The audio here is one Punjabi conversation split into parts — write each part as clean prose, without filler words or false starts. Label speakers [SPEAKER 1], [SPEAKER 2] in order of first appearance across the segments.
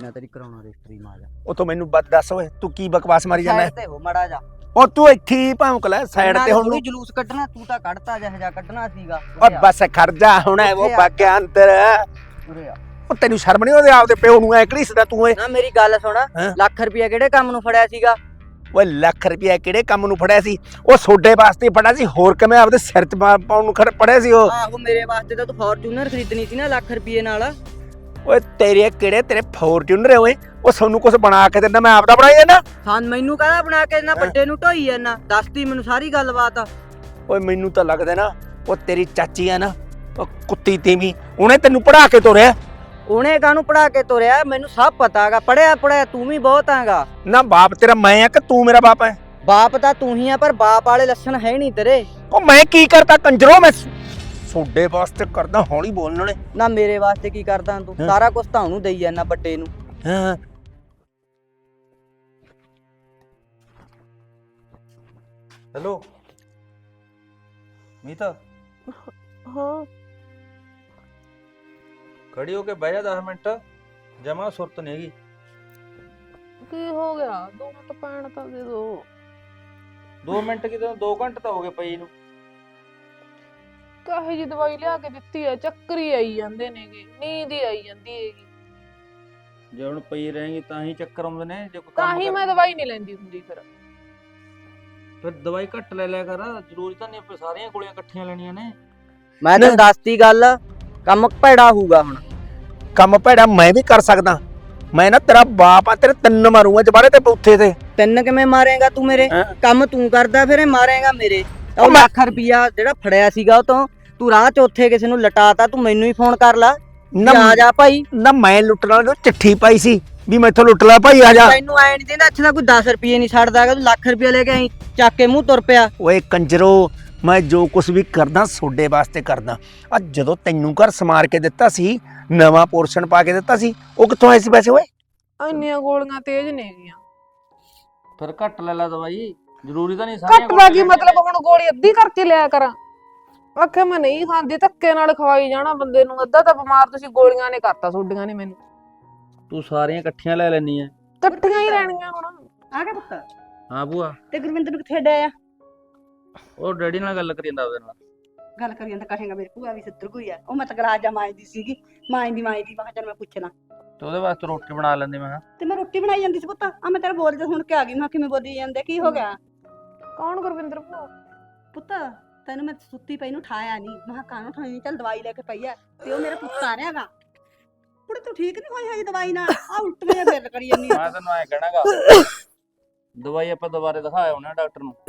[SPEAKER 1] ਮੈਂ ਤੇਰੀ ਕਰਾਉਣਾ ਰਜਿਸਟਰੀ ਮਾਰ
[SPEAKER 2] ਉਹ ਤੋਂ ਮੈਨੂੰ ਦੱਸ ਓਏ ਤੂੰ ਕੀ ਬਕਵਾਸ ਮਾਰੀ ਜਾਂਦਾ
[SPEAKER 1] ਸਾਈਡ ਤੇ ਹੋ ਮੜਾ ਜਾ
[SPEAKER 2] ਉਹ ਤੂੰ ਇੱਥੇ ਹੀ ਭੌਂਕ ਲੈ ਸਾਈਡ ਤੇ ਹੁਣ
[SPEAKER 1] ਕੋਈ ਜਲੂਸ ਕੱਢਣਾ ਤੂੰ ਤਾਂ ਕੱਢਤਾ ਜਿਹਾ ਕੱਢਣਾ ਸੀਗਾ
[SPEAKER 2] ਓਏ ਬਸ ਖੜ ਜਾ ਹੁਣ ਉਹ ਬਾਗਿਆ ਅੰਦਰ
[SPEAKER 1] ਉਰੇ ਆ
[SPEAKER 2] ਉਹ ਤੈਨੂੰ ਸ਼ਰਮ ਨਹੀਂ ਉਹਦੇ ਆਪਦੇ ਪਿਓ ਨੂੰ ਐ ਘੜੀਸਦਾ ਤੂੰ ਓਏ
[SPEAKER 1] ਨਾ ਮੇਰੀ ਗੱਲ ਸੁਣ ਲੱਖ ਰੁਪਇਆ ਕਿਹੜੇ ਕੰਮ ਨੂੰ ਫੜਿਆ ਸੀਗਾ
[SPEAKER 2] ਓਏ ਲੱਖ ਰੁਪਇਆ ਕਿਹੜੇ ਕੰਮ ਨੂੰ ਫੜਿਆ ਸੀ ਉਹ ਸੋਡੇ ਵਾਸਤੇ ਫੜਿਆ ਸੀ ਹੋਰ ਕਿਵੇਂ ਆਪਦੇ ਸਿਰ 'ਚ ਪਾਉਣ ਨੂੰ ਫੜਿਆ ਸੀ ਉਹ
[SPEAKER 1] ਆਹੋ ਮੇਰੇ ਵਾਸਤੇ ਤਾਂ ਤੂੰ ਫੋਰਚੂਨਰ ਖਰੀਦਣੀ ਸੀ ਨਾ ਲੱਖ ਰੁਪਏ ਨਾਲ
[SPEAKER 2] ਓਏ ਤੇਰੇ ਫੋਰਚੂਨਰ ਓਏ ਉਹ ਸਾਨੂੰ ਕੁਝ ਬਣਾ ਕੇ ਦਿੰਦਾ ਮੈਂ ਆਪਦਾ ਬਣਾਈ ਜਾਂਦਾ
[SPEAKER 1] ਹਾਂ ਮੈਨੂੰ ਕਾਹਦਾ ਬਣਾ ਕੇ ਦਿੰਦਾ ਵੱਡੇ ਨੂੰ ਢੋਈ ਜਾਂਦਾ ਦੱਸਦੀ ਮੈਨੂੰ ਸਾਰੀ ਗੱਲਬਾਤ
[SPEAKER 2] ਓਏ ਮੈਨੂੰ ਤਾਂ ਲੱਗਦਾ ਨਾ ਉਹ ਤੇਰੀ ਚਾਚੀ ਆ ਨਾ ਉਹ ਕੁੱਤੀ ਤੀਵੀਂ ਉਹਨੇ ਤੈਨੂੰ ਪੜਾ ਕੇ ਤੋਰਿਆ
[SPEAKER 1] ਉਹਨੇ ਕਾਹਨੂੰ ਪੜਾ ਕੇ ਤੋਰਿਆ ਮੈਨੂੰ ਸਭ ਪਤਾ ਹੈਗਾ ਪੜਿਆ ਤੂੰ ਵੀ ਬਹੁਤ ਹੈਗਾ
[SPEAKER 2] ਨਾ ਬਾਪ ਤੇਰਾ ਮੈਂ ਆ ਕਿ ਤੂੰ ਮੇਰਾ ਬਾਪ ਹੈ
[SPEAKER 1] ਬਾਪ ਤਾਂ ਤੂੰ ਹੀ ਆ ਪਰ ਬਾਪ ਵਾਲੇ ਲੱਛਣ ਹੈ ਨਹੀਂ ਤੇਰੇ
[SPEAKER 2] ਉਹ ਮੈਂ ਕੀ ਕਰਤਾ ਕੰਜਰੋ ਮੈਂ ਸੋਡੇ ਵਾਸਤੇ ਕਰਦਾ ਹੌਲੀ ਬੋਲਣ ਨੇ
[SPEAKER 1] ਨਾ ਮੇਰੇ ਵਾਸਤੇ ਕੀ ਕਰਦਾ ਤੂੰ ਸਾਰਾ ਕੁਝ ਤਾਂ ਉਹਨੂੰ ਦੇਈ ਜਾਂਦਾ ਵੱਡੇ ਨੂੰ
[SPEAKER 2] ਹਾਂ
[SPEAKER 3] ਹੈਲੋ ਮੀਤਾ
[SPEAKER 4] ਹਾਂ
[SPEAKER 3] ਖੜੀ ਹੋ ਕੇ ਬਹਿ ਜਾ 10 ਮਿੰਟ ਜਮਾ ਸੁਰਤ ਨਹੀਂ ਹੈਗੀ
[SPEAKER 4] ਕੀ ਹੋ ਗਿਆ 2 ਮਿੰਟ ਪੈਣ ਤਾਂ ਦੇ ਦੋ
[SPEAKER 3] 2 ਮਿੰਟ ਕਿਤੇ 2 ਘੰਟੇ ਤਾਂ ਹੋ ਗਏ ਪਈ ਨੂੰ
[SPEAKER 4] ਕਾਹੇ ਜੀ ਦਵਾਈ ਲਿਆ ਕੇ ਦਿੱਤੀ ਹੈ ਚੱਕਰ ਹੀ ਆਈ ਜਾਂਦੇ ਨੇਗੇ ਨੀਂਦ ਹੀ ਆਈ ਜਾਂਦੀ ਹੈਗੀ
[SPEAKER 3] ਜੇ ਹੁਣ ਪਈ ਰਹੇਗੀ ਤਾਂ ਹੀ ਚੱਕਰ ਆਉਂਦੇ ਨੇ ਜੇ ਕੋਈ
[SPEAKER 4] ਤਾਂ
[SPEAKER 3] ਕੰਮ
[SPEAKER 4] ਹੀ ਮੈਂ ਦਵਾਈ ਨਹੀਂ ਲੈਂਦੀ ਹੁੰਦੀ
[SPEAKER 3] ਫਿਰ ਦਵਾਈ ਘੱਟ ਲੈ ਲਿਆ ਕਰ ਜ਼ਰੂਰੀ ਤਾਂ ਨਹੀਂ ਸਾਰੀਆਂ ਗੋਲੀਆਂ ਇਕੱਠੀਆਂ ਲੈਣੀਆਂ ਨੇ
[SPEAKER 1] ਮੈਂ ਤੈਨੂੰ ਦੱਸਤੀ ਗੱਲ ਕੰਮ ਭੈੜਾ ਹੋਊਗਾ ਹੁਣ
[SPEAKER 2] ਕੰਮ ਭੈੜਾ ਮੈਂ ਵੀ ਕਰ ਸਕਦਾ ਮੈਂ ਨਾ ਤੇਰਾ ਬਾਪ ਆ ਤੇਰੇ 3 ਮਾਰੂੰਗਾ ਜਬਾਰੇ ਤੇ ਬੂਥੇ ਤੇ
[SPEAKER 1] 3 ਕਿਵੇਂ ਮਾਰੇਗਾ ਤੂੰ ਮੇਰੇ ਕੰਮ ਤੂੰ ਕਰਦਾ ਫਿਰ ਇਹ ਮਾਰੇਗਾ ਮੇਰੇ ਉਹ ਲੱਖ ਰੁਪਿਆ ਜਿਹੜਾ ਫੜਿਆ ਸੀਗਾ ਉਹ ਤੋਂ ਤੂੰ ਰਾਹ ਚ ਉੱਥੇ ਕਿਸੇ ਨੂੰ ਲਟਾਤਾ ਤੂੰ ਮੈਨੂੰ ਹੀ ਫੋਨ ਕਰ ਲਾ ਆ ਜਾ ਭਾਈ
[SPEAKER 2] ਨਾ ਮੈਂ ਲੁੱਟਣ ਵਾਲੇ ਨੂੰ ਚਿੱਠੀ ਪਾਈ ਸੀ ਵੀ ਮੈਥੋਂ ਲੁੱਟ ਲੈ ਭਾਈ ਆ ਜਾ
[SPEAKER 1] ਤੈਨੂੰ ਐ ਨਹੀਂ ਦਿੰਦਾ ਅੱਛਾ ਕੋਈ 10 ਰੁਪਏ ਨਹੀਂ ਛੱਡਦਾ ਤੂੰ ਲੱਖ ਰੁਪਏ ਲੈ ਕੇ ਆਈ ਚੱਕ ਕੇ ਮੂੰਹ ਤੁਰ ਪਿਆ
[SPEAKER 2] ਓਏ ਕੰਜਰੋ ਮੈਂ ਜੋ ਕੁਝ ਵੀ ਕਰਦਾ ਸੋਡੇ ਵਾਸਤੇ ਕਰਦਾ ਆ ਜਦੋਂ ਤੈਨੂੰ ਘਰ ਸਮਾਰ ਕੇ ਦਿੱਤਾ ਸੀ ਨਵਾਂ ਪੋਰਸ਼ਨ ਪਾ ਕੇ ਦਿੱਤਾ ਸੀ ਉਹ ਕਿੱਥੋਂ ਆਏ ਸੀ ਪੈਸੇ ਓਏ
[SPEAKER 4] ਇੰਨੀਆਂ ਗੋਲੀਆਂ ਤੇਜ਼ ਨੇਗੀਆਂ
[SPEAKER 3] ਫਿਰ ਘੱਟ ਲੈ ਦਵਾਈ ਜ਼ਰੂਰੀ ਤਾਂ ਨਹੀਂ
[SPEAKER 4] ਘੱਟ ਦਾ ਕੀ ਮਤਲਬ ਹੁਣ ਗੋਲੀ ਅੱਧੀ ਕਰਕੇ ਲਿਆ ਕਰਾਂ ਆਖੇ ਮੈਂ ਨਹੀਂ ਖਾਂਦੀ ਧੱਕੇ ਨਾਲ ਖਵਾਈ ਜਾਣਾ ਬੰਦੇ ਨੂੰ ਅੱਧਾ ਤਾਂ ਬਿਮਾਰ ਤੁਸੀਂ ਗੋਲੀਆਂ ਨੇ ਕਰਤਾ ਛੋਡੀਆਂ ਨੇ ਮੈਨੂੰ
[SPEAKER 3] ਤੂੰ ਸਾਰੀਆਂ ਇਕੱਠੀਆਂ ਲੈ ਲੈਣੀ ਐ
[SPEAKER 4] ਇਕੱਠੀਆਂ ਹੀ ਰਹਿਣੀਆਂ ਹੁਣ
[SPEAKER 1] ਆ ਗਿਆ ਪੁੱਤ
[SPEAKER 3] ਹਾਂ ਬੂਆ
[SPEAKER 1] ਤੇ ਗੁਰਵਿੰਦਰ ਨੂੰ ਕਿੱਥੇ ਡਿਆ
[SPEAKER 3] ਉਹ ਡੈਡੀ ਨਾਲ ਗੱਲ ਕਰੀ ਜਾਂਦਾ ਉਹਦੇ ਨਾਲ
[SPEAKER 5] ਗੱਲ ਕਰੀ ਜਾਂਦਾ ਕਹੇਗਾ ਮੇਰੀ ਭੂਆ ਵੀ ਸੱਤਰ ਕੋਈ ਆ ਉਹ ਮੈਂ ਤਾਂ ਗਲਾਜਾ ਮਾਂਜਦੀ ਸੀਗੀ ਮਾਂਜਦੀ ਮੈਂ ਕਿਹਾ ਚੱਲ ਮੈਂ ਪੁੱਛਣਾ
[SPEAKER 3] ਤੇ ਉਹਦੇ ਵਾਸਤੇ ਰੋਟੀ ਬਣਾ ਲੈਂਦੇ ਮੈਂ
[SPEAKER 5] ਤੇ ਮੈਂ ਰੋਟੀ ਬਣਾਈ ਜਾਂਦੀ ਸੀ ਪੁੱਤ ਆ ਮੈਂ ਤੇਰਾ ਬੋਲਦੇ ਸੁਣ ਕੇ ਆ ਗਈ ਮੈਂ ਕਿਵੇਂ ਬੋਲੀ ਜਾਂਦੇ ਕੀ ਹੋ ਗਿਆ
[SPEAKER 4] ਕੌਣ ਗੁਰਵਿੰਦਰ ਭੂਆ
[SPEAKER 5] ਪੁੱਤ ਤੈਨੂੰ ਮੈਂ ਸੁੱਤੀ ਪਈ ਨੂੰ ਠਾਇਆ ਨਹੀਂ ਮੈਂ ਕਿਹਾ ਕਾਹਨੂੰ ਠਾਈ ਚੱਲ ਦਵਾਈ ਲੈ ਕੇ ਪਈ ਆ ਤੇ ਉਹ ਮੇਰਾ ਪੁੱਤ ਆ ਰਿਹਾਗਾ ਕੁੜੇ ਤੂੰ ਠੀਕ ਨਹੀਂ ਹੋਈ ਹੈ ਦਵਾਈ ਨਾਲ ਆ ਉਲਟੀਆਂ ਫੇਰ ਕਰੀ ਜਾਂਦੀ
[SPEAKER 3] ਮੈਂ ਤੈਨੂੰ ਐ ਕਹਿਣਾਗਾ ਦਵਾਈ ਆਪਾਂ ਦੁਬਾਰੇ ਦਿਖਾਇਆ ਉਹਨੇ ਡਾਕਟਰ ਨੂੰ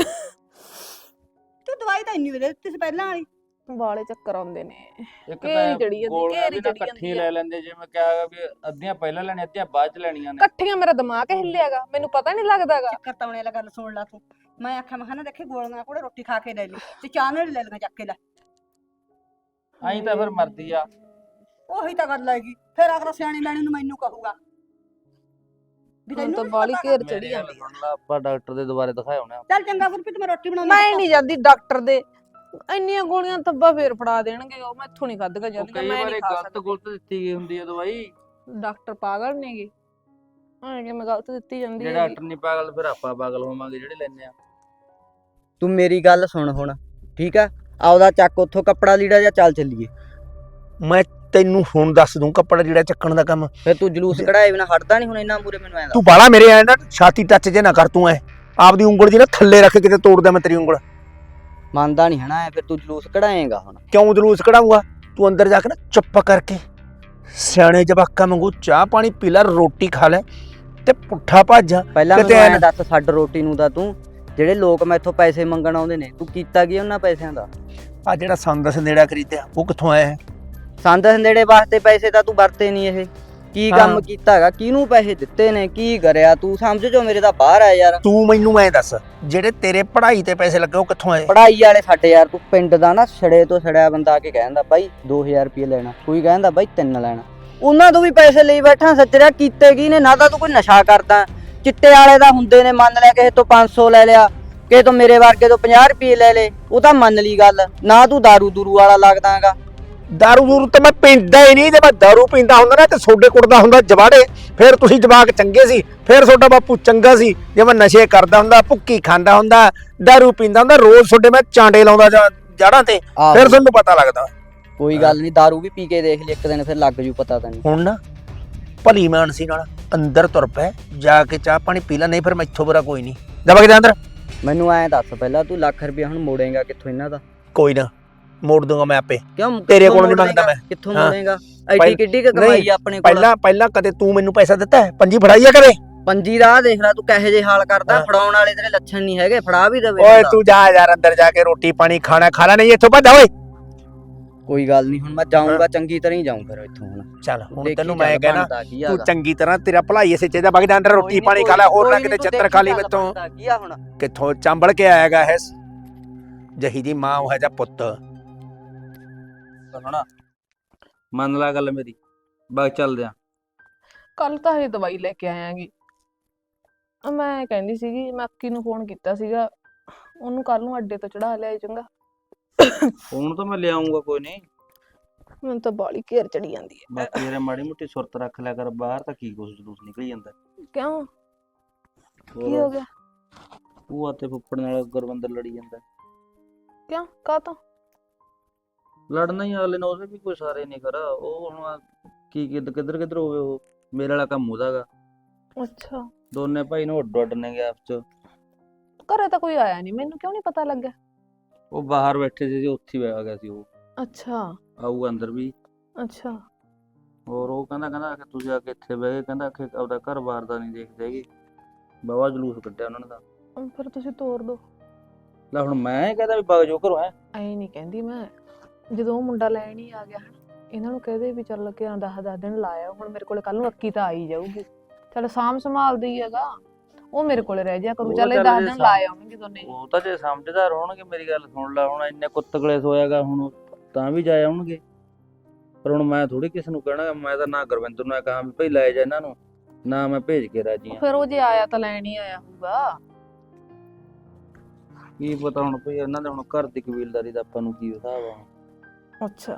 [SPEAKER 5] ਤੂੰ ਦਵਾਈ ਤਾਂ ਇੰਨੀ ਵੇਲੇ ਦਿੱਤੀ ਸੀ ਪਹਿਲਾਂ ਵਾਲੀ
[SPEAKER 4] ਵਾਲੇ ਚੱਕਰ ਆਉਂਦੇ ਨੇ
[SPEAKER 3] ਇੱਕ
[SPEAKER 4] ਘੇਰੀ ਚੜੀ ਜਾਂਦੀ,
[SPEAKER 3] ਗੋਲੀਆਂ
[SPEAKER 4] ਘੇਰੀ
[SPEAKER 3] ਵੀ ਨਾ
[SPEAKER 4] ਚੜੀ
[SPEAKER 3] ਇਕੱਠੀ
[SPEAKER 4] ਜਾਂਦੀ
[SPEAKER 3] ਲੈ ਲੈਂਦੇ ਜਿਵੇਂ ਕਿਹਾ ਵੀ ਅੱਧੀਆਂ ਪਹਿਲਾਂ ਲੈਣੀਆਂ ਅੱਧੀਆਂ ਬਾਅਦ ਚ ਲੈਣੀਆਂ ਨੇ
[SPEAKER 4] ਇਕੱਠੀਆਂ ਮੇਰਾ ਦਿਮਾਗ ਹਿੱਲਿਆਗਾ ਮੈਨੂੰ ਪਤਾ ਨਹੀਂ ਲੱਗਦਾਗਾ
[SPEAKER 5] ਚੱਕਰ ਤਾਉਣੇ ਵਾਲਾ ਗੱਲ ਸੁਣ ਲਾ ਤੂੰ ਮੈਂ ਆਖਿਆ ਮੈਂ ਨਾ ਦੇਖੇ ਗੋਲੀਆਂ ਕੋੜੇ ਰੋਟੀ ਖਾ ਕੇ ਲੈ ਲਈ ਤੇ ਚਾਹ ਨਾਲ ਲੈ ਲਗਾ ਚੱਕ ਕੇ ਲੈ
[SPEAKER 3] ਆਈ ਤਾਂ ਫਿਰ ਮਰਦੀ ਆ
[SPEAKER 5] ਉਹੀ ਤਾਂ ਗੱਲ ਹੈਗੀ ਫਿਰ ਅਗਰ ਸਿਆਣੀ ਲੈਣੀ ਨੂੰ ਮੈਨੂੰ ਕਹੂਗਾ
[SPEAKER 4] ਹੁਣ ਤਾਂ ਬਾਲੀ ਘੇਰ ਚੜੀ
[SPEAKER 3] ਮੇਰੀ ਗੱਲ
[SPEAKER 4] ਜਾਂਦੀ
[SPEAKER 3] ਸੁਣ ਲਾ, ਆਪਾਂ ਡਾਕਟਰ ਦੇ ਦੁਬਾਰੇ ਦਿਖਾਇਆ ਉਹਨੇ
[SPEAKER 5] ਚੱਲ ਚੰਗਾ ਗੁਰਪ੍ਰੀਤ ਮੈਂ ਰੋਟੀ ਬਣਾਉਣੀ
[SPEAKER 4] ਮੈਂ ਨਹੀਂ ਜਾਂਦੀ ਡਾਕਟਰ ਦੇ ਇੰਨੀਆਂ ਗੋਲੀਆਂ ਥੱਬਾ ਫੇਰ ਫੜਾ ਦੇਣਗੇ ਉਹ ਮੈਥੋਂ ਨਹੀਂ ਖਾਧਗਾ
[SPEAKER 3] ਉਹ
[SPEAKER 4] ਜਾਂਦੀਆਂ
[SPEAKER 3] ਕਈ
[SPEAKER 4] ਮੈਂ
[SPEAKER 3] ਵਾਰੀ
[SPEAKER 4] ਨਹੀਂ ਖਾ
[SPEAKER 3] ਗਲਤ ਗੁਲਤ ਦਿੱਤੀ ਗਈ ਹੁੰਦੀ ਹੈ ਦਵਾਈ
[SPEAKER 4] ਡਾਕਟਰ ਪਾਗਲ ਨੇਗੇ ਹਾਂ ਕਿ ਮੈਂ ਗਲਤ ਦਿੱਤੀ ਜਾਂਦੀ
[SPEAKER 3] ਜੇ
[SPEAKER 4] ਹੈ
[SPEAKER 3] ਡਾਕਟਰ ਨਹੀਂ ਪਾਗਲ ਫਿਰ ਆਪਾਂ ਪਾਗਲ ਹੋਵਾਂਗੇ ਜਿਹੜੇ ਲੈਂਦੇ ਆ
[SPEAKER 1] ਤੂੰ ਮੇਰੀ ਗੱਲ ਸੁਣ ਹੁਣ ਠੀਕ ਆ ਆਉਦਾ ਚੱਕ ਉੱਥੋਂ ਕੱਪੜਾ ਲੀੜਾ ਜਾਂ ਚੱਲ ਚੱਲੀਏ
[SPEAKER 2] ਮੈਂ ਤੈਨੂੰ ਹੁਣ ਦੱਸ ਦੂੰ ਕੱਪੜਾ ਜਿਹੜਾ ਚੱਕਣ ਦਾ ਕੰਮ
[SPEAKER 1] ਫਿਰ ਤੂੰ ਜਲੂਸ ਕਢਾਏ ਬਿਨਾ ਹਟਦਾ ਨਹੀਂ ਹੁਣ ਇੰਨਾ ਮੂਰੇ ਮੈਨੂੰ ਐਂ
[SPEAKER 2] ਤੂੰ ਬਾਲਾ ਮੇਰੇ ਐ ਨਾ ਛਾਤੀ ਟੱਚ ਜੇ ਨਾ ਕਰ ਤੂੰ ਐ ਆਪਦੀ ਉਂਗਲ ਜੀ ਨਾ ਥੱਲੇ ਰੱਖ ਕੇ ਕਿਤੇ ਤੋੜਦਾ ਮੈਂ ਤੇਰੀ ਉਂਗਲ
[SPEAKER 1] ਮੰਨਦਾ ਨਹੀਂ ਹਨਾ ਫਿਰ ਤੂੰ ਜਲੂਸ ਕਢਾਏਗਾ ਹੁਣ
[SPEAKER 2] ਕਿਉਂ ਜਲੂਸ ਕਢਾਊਗਾ ਤੂੰ ਅੰਦਰ ਜਾ ਕੇ ਨਾ ਚੁੱਪ ਕਰਕੇ ਸਿਆਣੇ ਜਵਾਕਾਂ ਵਾਂਗੂ ਚਾਹ ਪਾਣੀ ਪੀ ਲੈ ਰੋਟੀ ਖਾ ਲੈ ਤੇ ਪੁੱਠਾ ਭੱਜ
[SPEAKER 1] ਪਹਿਲਾਂ
[SPEAKER 2] ਕਿਤੇ
[SPEAKER 1] ਮੈਨੂੰ
[SPEAKER 2] ਐਂ
[SPEAKER 1] ਐਂ ਦੱਸ ਛੱਡ ਰੋਟੀ ਨੂੰ ਤਾਂ ਤੂੰ ਜਿਹੜੇ ਲੋਕ ਮੈਥੋਂ ਪੈਸੇ ਮੰਗਣ ਆਉਂਦੇ ਨੇ ਤੂੰ ਕੀਤਾ ਕੀ ਉਹਨਾਂ ਪੈਸਿਆਂ ਦਾ
[SPEAKER 2] ਆ ਜਿਹੜਾ ਸੰਦ ਸੰਦੇੜਾ ਖਰੀਦਿਆ ਉਹ ਕਿੱਥੋਂ ਆਇਆ ਹੈ
[SPEAKER 1] ਸੰਦ ਸੰਦੇੜੇ ਵਾਸਤੇ ਪੈਸੇ ਤਾਂ ਤੂੰ ਵਰਤੇ ਨਹੀਂ ਇਹ ਕੀ ਕੰਮ ਕੀਤਾ ਹੈਗਾ ਕਿਹਨੂੰ ਪੈਸੇ ਦਿੱਤੇ ਨੇ ਕੀ ਕਰਿਆ ਤੂੰ ਸਮਝ ਜੋ ਮੇਰੇ ਤਾਂ ਬਾਹਰ ਆ ਯਾਰ
[SPEAKER 2] ਤੂੰ ਮੈਨੂੰ ਐਂ ਦੱਸ ਜਿਹੜੇ ਤੇਰੇ ਪੜ੍ਹਾਈ ਤੇ ਪੈਸੇ ਲੱਗੇ ਉਹ ਕਿੱਥੋਂ ਆਏ
[SPEAKER 1] ਪੜਾਈ ਵਾਲੇ ਸਾਡੇ ਯਾਰ ਤੂੰ ਪਿੰਡ ਦਾ ਨਾ ਛੜੇ ਤੋਂ ਛੜਿਆ ਬੰਦਾ ਆ ਕੇ ਕਹਿੰਦਾ ਬਾਈ 2000 ਰੁਪਏ ਲੈਣਾ ਕੋਈ ਕਹਿੰਦਾ ਬਾਈ 3 ਲੈਣਾ ਉਹਨਾਂ ਤੋਂ ਵੀ ਪੈਸੇ ਲਈ ਬੈਠਾ ਸੱਚਰਿਆ ਕੀਤੇ ਕੀ ਨੇ ਨਾ ਤਾਂ ਤੂੰ ਕੋਈ ਨਸ਼ਾ ਕਰਦਾ ਚਿੱਟੇ ਵਾਲੇ ਦਾ ਹੁੰਦੇ ਨੇ ਮੰਨ ਲਿਆ ਕਿਸੇ ਤੋਂ 500 ਲੈ ਲਿਆ ਕਿਸੇ ਤੋਂ ਮੇਰੇ ਵਰਗੇ ਤੋਂ 50 ਰੁਪਏ ਲੈ ਲੇ ਉਹ ਤਾਂ ਮੰਨ ਲਈ ਗੱਲ ਨਾ ਤੂੰ ਦਾਰੂ ਦੂਰੂ ਵਾਲਾ ਲੱਗਦਾ ਹੈਗਾ
[SPEAKER 2] ਦਾਰੂ ਦੂਰੂ ਤਾਂ ਮੈਂ ਪੀਂਦਾ ਹੀ ਨਹੀਂ। ਜੇ ਮੈਂ ਦਾਰੂ ਪੀਂਦਾ ਹੁੰਦਾ ਨਾ ਤੇ ਸੋਡੇ ਕੁੱਟਦਾ ਹੁੰਦਾ ਜਵਾੜੇ, ਫਿਰ ਤੁਸੀਂ ਜਵਾਕ ਚੰਗੇ ਸੀ, ਫਿਰ ਤੁਹਾਡਾ ਬਾਪੂ ਚੰਗਾ ਸੀ। ਜੇ ਮੈਂ ਨਸ਼ੇ ਕਰਦਾ ਹੁੰਦਾ, ਭੁੱਕੀ ਖਾਂਦਾ ਹੁੰਦਾ, ਦਾਰੂ ਪੀਂਦਾ ਹੁੰਦਾ, ਰੋਜ਼ ਤੁਹਾਡੇ ਮੈਂ ਚਾਂਡੇ ਲਾਉਂਦਾ ਜੜਾਂ ਤੇ,
[SPEAKER 1] ਆਹੋ।
[SPEAKER 2] ਫਿਰ ਤੁਹਾਨੂੰ ਪਤਾ ਲੱਗਦਾ।
[SPEAKER 1] ਕੋਈ ਗੱਲ ਨਹੀਂ, ਦਾਰੂ ਵੀ ਪੀ ਕੇ ਦੇਖ ਲਈ ਇੱਕ ਦਿਨ, ਫਿਰ ਲੱਗ ਜੂ ਪਤਾ ਤੈਨੂੰ।
[SPEAKER 2] ਹੁਣ ਨਾ ਭਲੀ ਮਾਨਸੀ ਨਾਲ ਅੰਦਰ ਤੁਰ ਪੈ, ਜਾ ਕੇ ਚਾਹ ਪਾਣੀ ਪੀ ਲੈ, ਨਹੀਂ ਫਿਰ ਮੈਥੋਂ ਬੁਰਾ ਕੋਈ ਨਹੀਂ। ਜਾ ਵਗ ਜਾ ਅੰਦਰ।
[SPEAKER 1] ਮੈਨੂੰ ਐਂ ਦੱਸ ਪਹਿਲਾਂ, ਤੂੰ ਲੱਖ ਰੁਪਇਆ ਹੁਣ ਮੋੜੇਗਾ ਕਿੱਥੋਂ ਇਹਨਾਂ ਦਾ?
[SPEAKER 2] ਕੋਈ ਨਾ ਮੋੜ ਦੂੰਗਾ ਮੈਂ ਆਪੇ।
[SPEAKER 1] ਕਿਉਂ
[SPEAKER 2] ਤੇਰੇ
[SPEAKER 1] ਕਿੱਥੋਂ
[SPEAKER 2] ਕੋਲੋਂ ਨੀ
[SPEAKER 1] ਮੋੜ
[SPEAKER 2] ਮੰਗਦਾ
[SPEAKER 1] ਲਏਂਗਾ?
[SPEAKER 2] ਮੈਂ।
[SPEAKER 1] ਕਿੱਥੋਂ
[SPEAKER 2] ਹਾਂ।
[SPEAKER 1] ਮੋੜੇਗਾ? ਐਡੀ
[SPEAKER 2] ਪਹਿਲ-
[SPEAKER 1] ਕਿੱਡੀ ਕੁ ਕਮਾਈ ਆ ਆਪਣੇ ਕੋਲ?
[SPEAKER 2] ਪਹਿਲਾਂ ਕਦੇ ਤੂੰ ਮੈਨੂੰ ਪੈਸਾ ਦਿੱਤਾ ਹੈ? ਪੰਜੀ ਫੜਾਈ ਆ ਕਦੇ?
[SPEAKER 1] ਪੰਜੀ ਦਾ ਆਹ ਦੇਖ ਲੈ ਤੂੰ ਕਹੇ ਜੇ ਹਾਲ ਕਰਦਾ,
[SPEAKER 2] ਹਾਂ।
[SPEAKER 1] ਫੜਾਉਣ ਵਾਲੇ ਤੇਰੇ ਲੱਛਣ ਨਹੀਂ ਹੈਗੇ, ਫੜਾ ਵੀ ਦੇਵੇ
[SPEAKER 2] ਓਏ
[SPEAKER 1] ਬੰਦਾ।
[SPEAKER 2] ਤੂੰ ਜਾ ਯਾਰ ਅੰਦਰ ਜਾ ਕੇ ਰੋਟੀ ਪਾਣੀ ਖਾਣਾ ਖਾ ਲੈ, ਨਹੀਂ ਇੱਥੋਂ ਭੱਜ ਓਏ।
[SPEAKER 1] ਕੋਈ ਗੱਲ ਨਹੀਂ, ਹੁਣ ਮੈਂ ਜਾਊਂਗਾ, ਚੰਗੀ ਤਰ੍ਹਾਂ ਹੀ ਜਾਊਂ ਫਿਰ ਇੱਥੋਂ ਹੁਣ।
[SPEAKER 2] ਚੱਲ ਹੁਣ
[SPEAKER 1] ਦੇਖੀ
[SPEAKER 2] ਤੈਨੂੰ
[SPEAKER 1] ਚੱਲ
[SPEAKER 2] ਮੈਂ ਕਹਿਣਾ,
[SPEAKER 1] ਬਣਦਾ ਕੀ
[SPEAKER 2] ਤੂੰ
[SPEAKER 1] ਹੈਗਾ।
[SPEAKER 2] ਚੰਗੀ ਤਰ੍ਹਾਂ ਤੇਰਾ ਭਲਾਈ ਇਸੇ ਚਾਹੀਦਾ, ਵਗ ਜਾ ਅੰਦਰ ਰੋਟੀ ਪਾਣੀ ਖਾ ਲੈ, ਹੋਰ ਨਾ ਕਿਤੇ ਚੱਤਰ ਖਾ ਲਈ ਮੈਥੋਂ।
[SPEAKER 1] ਕੀ ਆ ਹੁਣ?
[SPEAKER 2] ਕਿੱਥੋਂ ਚੰਬੜ ਕੇ ਆਏਗਾ ਇਹ ਜਹੀ ਦੀ ਮਾਂ ਉਹ ਹੈ ਜਾਂ ਪੁੱਤ।
[SPEAKER 3] ਸੁਣਾ, ਮੰਨ ਲੈ ਗੱਲ ਮੇਰੀ, ਬਾਗ ਚੱਲਦੇ ਆ।
[SPEAKER 4] ਕੱਲ ਤਾਂ ਇਹ ਦਵਾਈ ਲੈ ਕੇ ਆਇਆਂਗੀ। ਮੈਂ ਕਹਿੰਦੀ ਸੀਗੀ, ਮੈਂ ਅੱਕੀ ਨੂੰ ਫੋਨ ਕੀਤਾ ਸੀਗਾ, ਉਹਨੂੰ ਕੱਲ ਨੂੰ ਅੱਡੇ ਤੋਂ ਚੜਾ ਲਿਆ ਚੰਗਾ।
[SPEAKER 3] ਫੋਨ ਤਾਂ ਮੈਂ ਲਿਆਉਂਗਾ, ਕੋਈ ਨਹੀਂ।
[SPEAKER 4] ਮੈਨੂੰ ਤਾਂ ਬਾਲੀ ਘੇਰ ਚੜੀ ਜਾਂਦੀ ਹੈ।
[SPEAKER 3] ਬਾਕੀ ਯਾਰ ਮਾੜੀ ਮੋਟੀ ਸੁਰਤ ਰੱਖ ਲਿਆ ਕਰ, ਬਾਹਰ ਤਾਂ ਕੀ ਕੁਛ ਜਲੂਸ ਨਿਕਲ ਜਾਂਦਾ।
[SPEAKER 4] ਕਿਉਂ, ਕੀ ਹੋ ਗਿਆ?
[SPEAKER 3] ਭੂਆ ਤੇ ਫੁੱਫੜ ਨਾਲ ਗੁਰਵਿੰਦਰ ਲੜੀ ਜਾਂਦਾ।
[SPEAKER 4] ਕਿਉਂ, ਕਾਹਤੋਂ?
[SPEAKER 3] ਲੜਨਾ ਹੀ ਅਗਲੇ ਨਾਲ, ਉਹਦੇ ਵੀ ਕੋਈ ਸਾਰੇ ਨਹੀਂ ਕਰਾ। ਉਹ ਹੁਣ ਕੀ ਕਿੱਧਰ ਹੋਵੇ, ਉਹ ਮੇਰੇ ਵਾਲਾ ਕੰਮ ਉਹਦਾ ਗਾ।
[SPEAKER 4] ਅੱਛਾ,
[SPEAKER 3] ਦੋਨੇ ਭਾਈ ਨੂੰ ਅੱਡੋ ਅੱਡ ਨੇ ਆਪਸ ਚ।
[SPEAKER 4] ਘਰੇ ਤਾਂ ਕੋਈ ਆਇਆ ਨਹੀਂ, ਮੈਨੂੰ ਕਿਉਂ ਨਹੀਂ ਪਤਾ ਲੱਗਿਆ?
[SPEAKER 3] ਉਹ ਬਾਹਰ ਬੈਠੇ ਸੀ, ਉੱਥੇ ਹੀ ਆ ਗਿਆ ਸੀ ਉਹ।
[SPEAKER 4] ਅੱਛਾ
[SPEAKER 3] ਆਊਗਾ ਅੰਦਰ ਵੀ।
[SPEAKER 4] ਅੱਛਾ।
[SPEAKER 3] ਹੋਰ ਉਹ ਕਹਿੰਦਾ ਕਿ ਤੁਸੀਂ ਆ ਕੇ ਇੱਥੇ ਬਹਿ ਗਏ, ਕਹਿੰਦਾ ਕਿ ਆਪਦਾ ਘਰ-ਬਾਰ ਦਾ ਨਹੀਂ ਦੇਖਦੇ ਹੈਗੇ। ਬਾਵਾ ਜਲੂਸ ਕੱਢਿਆ ਉਹਨਾਂ ਨੇ ਤਾਂ।
[SPEAKER 4] ਫਿਰ ਤੁਸੀਂ ਤੋਰ ਦੋ।
[SPEAKER 3] ਲੈ ਹੁਣ ਮੈਂ ਕਹਿੰਦਾ ਵੀ ਬਾਗ ਜੋ ਘਰੋਂ ਐ
[SPEAKER 4] ਨਹੀਂ ਕਹਿੰਦੀ ਮੈਂ, ਜਦੋਂ ਉਹ ਮੁੰਡਾ ਲੈਣ ਹੀ ਆ ਗਿਆ ਹਨ, ਇਹਨਾਂ ਨੂੰ ਕਹਦੇ ਵੀ ਚੱਲ ਕੇ 10 ਦਿਨ ਲਾਇਆ, ਹੁਣ ਮੇਰੇ ਕੋਲੇ ਕੱਲ ਨੂੰ ਅੱਕੀ ਤਾਂ ਆਈ ਜਾਊਗੀ, ਚੱਲ ਸਾਂਭ ਸੰਭਾਲਦੀ ਹੈਗਾ, ਉਹ ਮੇਰੇ ਕੋਲੇ ਰਹਿ ਜਾ ਕਰੂ,
[SPEAKER 3] ਉਹ
[SPEAKER 4] ਚੱਲ ਇਹ
[SPEAKER 3] ਚੱਲ
[SPEAKER 4] 10
[SPEAKER 3] ਜੇ
[SPEAKER 4] ਦਿਨ ਲਾ ਆਉਣਗੇ ਦੋਨੇ।
[SPEAKER 3] ਉਹ ਤਾਂ ਜੇ ਸਮਝਦਾਰ ਹੋਣਗੇ, ਮੇਰੀ ਗੱਲ ਸੁਣ ਲੈ, ਹੁਣ ਇੰਨੇ ਕੁੱਤਕਲੇ ਸੋਇਆਗਾ, ਹੁਣ ਤਾਂ ਵੀ ਜਾ ਆਉਣਗੇ। ਪਰ ਹੁਣ ਮੈਂ ਥੋੜੀ ਕਿਸ ਨੂੰ ਕਹਿਣਾ, ਮੈਂ ਤਾਂ ਨਾ ਗੁਰਵਿੰਦਰ ਨੂੰ ਕਹਾਂ ਵੀ ਭਾਈ ਲੈ ਜਾ ਇਹਨਾਂ ਨੂੰ, ਨਾ ਮੈਂ ਭੇਜ ਕੇ ਰਾਜੀ ਆ।
[SPEAKER 4] ਫਿਰ ਉਹ ਜੇ ਆਇਆ ਤਾਂ ਲੈਣ ਹੀ ਆਇਆ ਹੋਊਗਾ।
[SPEAKER 3] ਕੀ ਪਤਾ ਹੁਣ ਭਈ ਇਹਨਾਂ ਦੇ ਹੁਣ ਘਰ ਦੀ ਕਬੀਲਦਾਰੀ ਦਾ ਆਪਾਂ ਨੂੰ ਕੀ ਹਿਸਾਬ ਆ।
[SPEAKER 4] ਅੱਛਾ,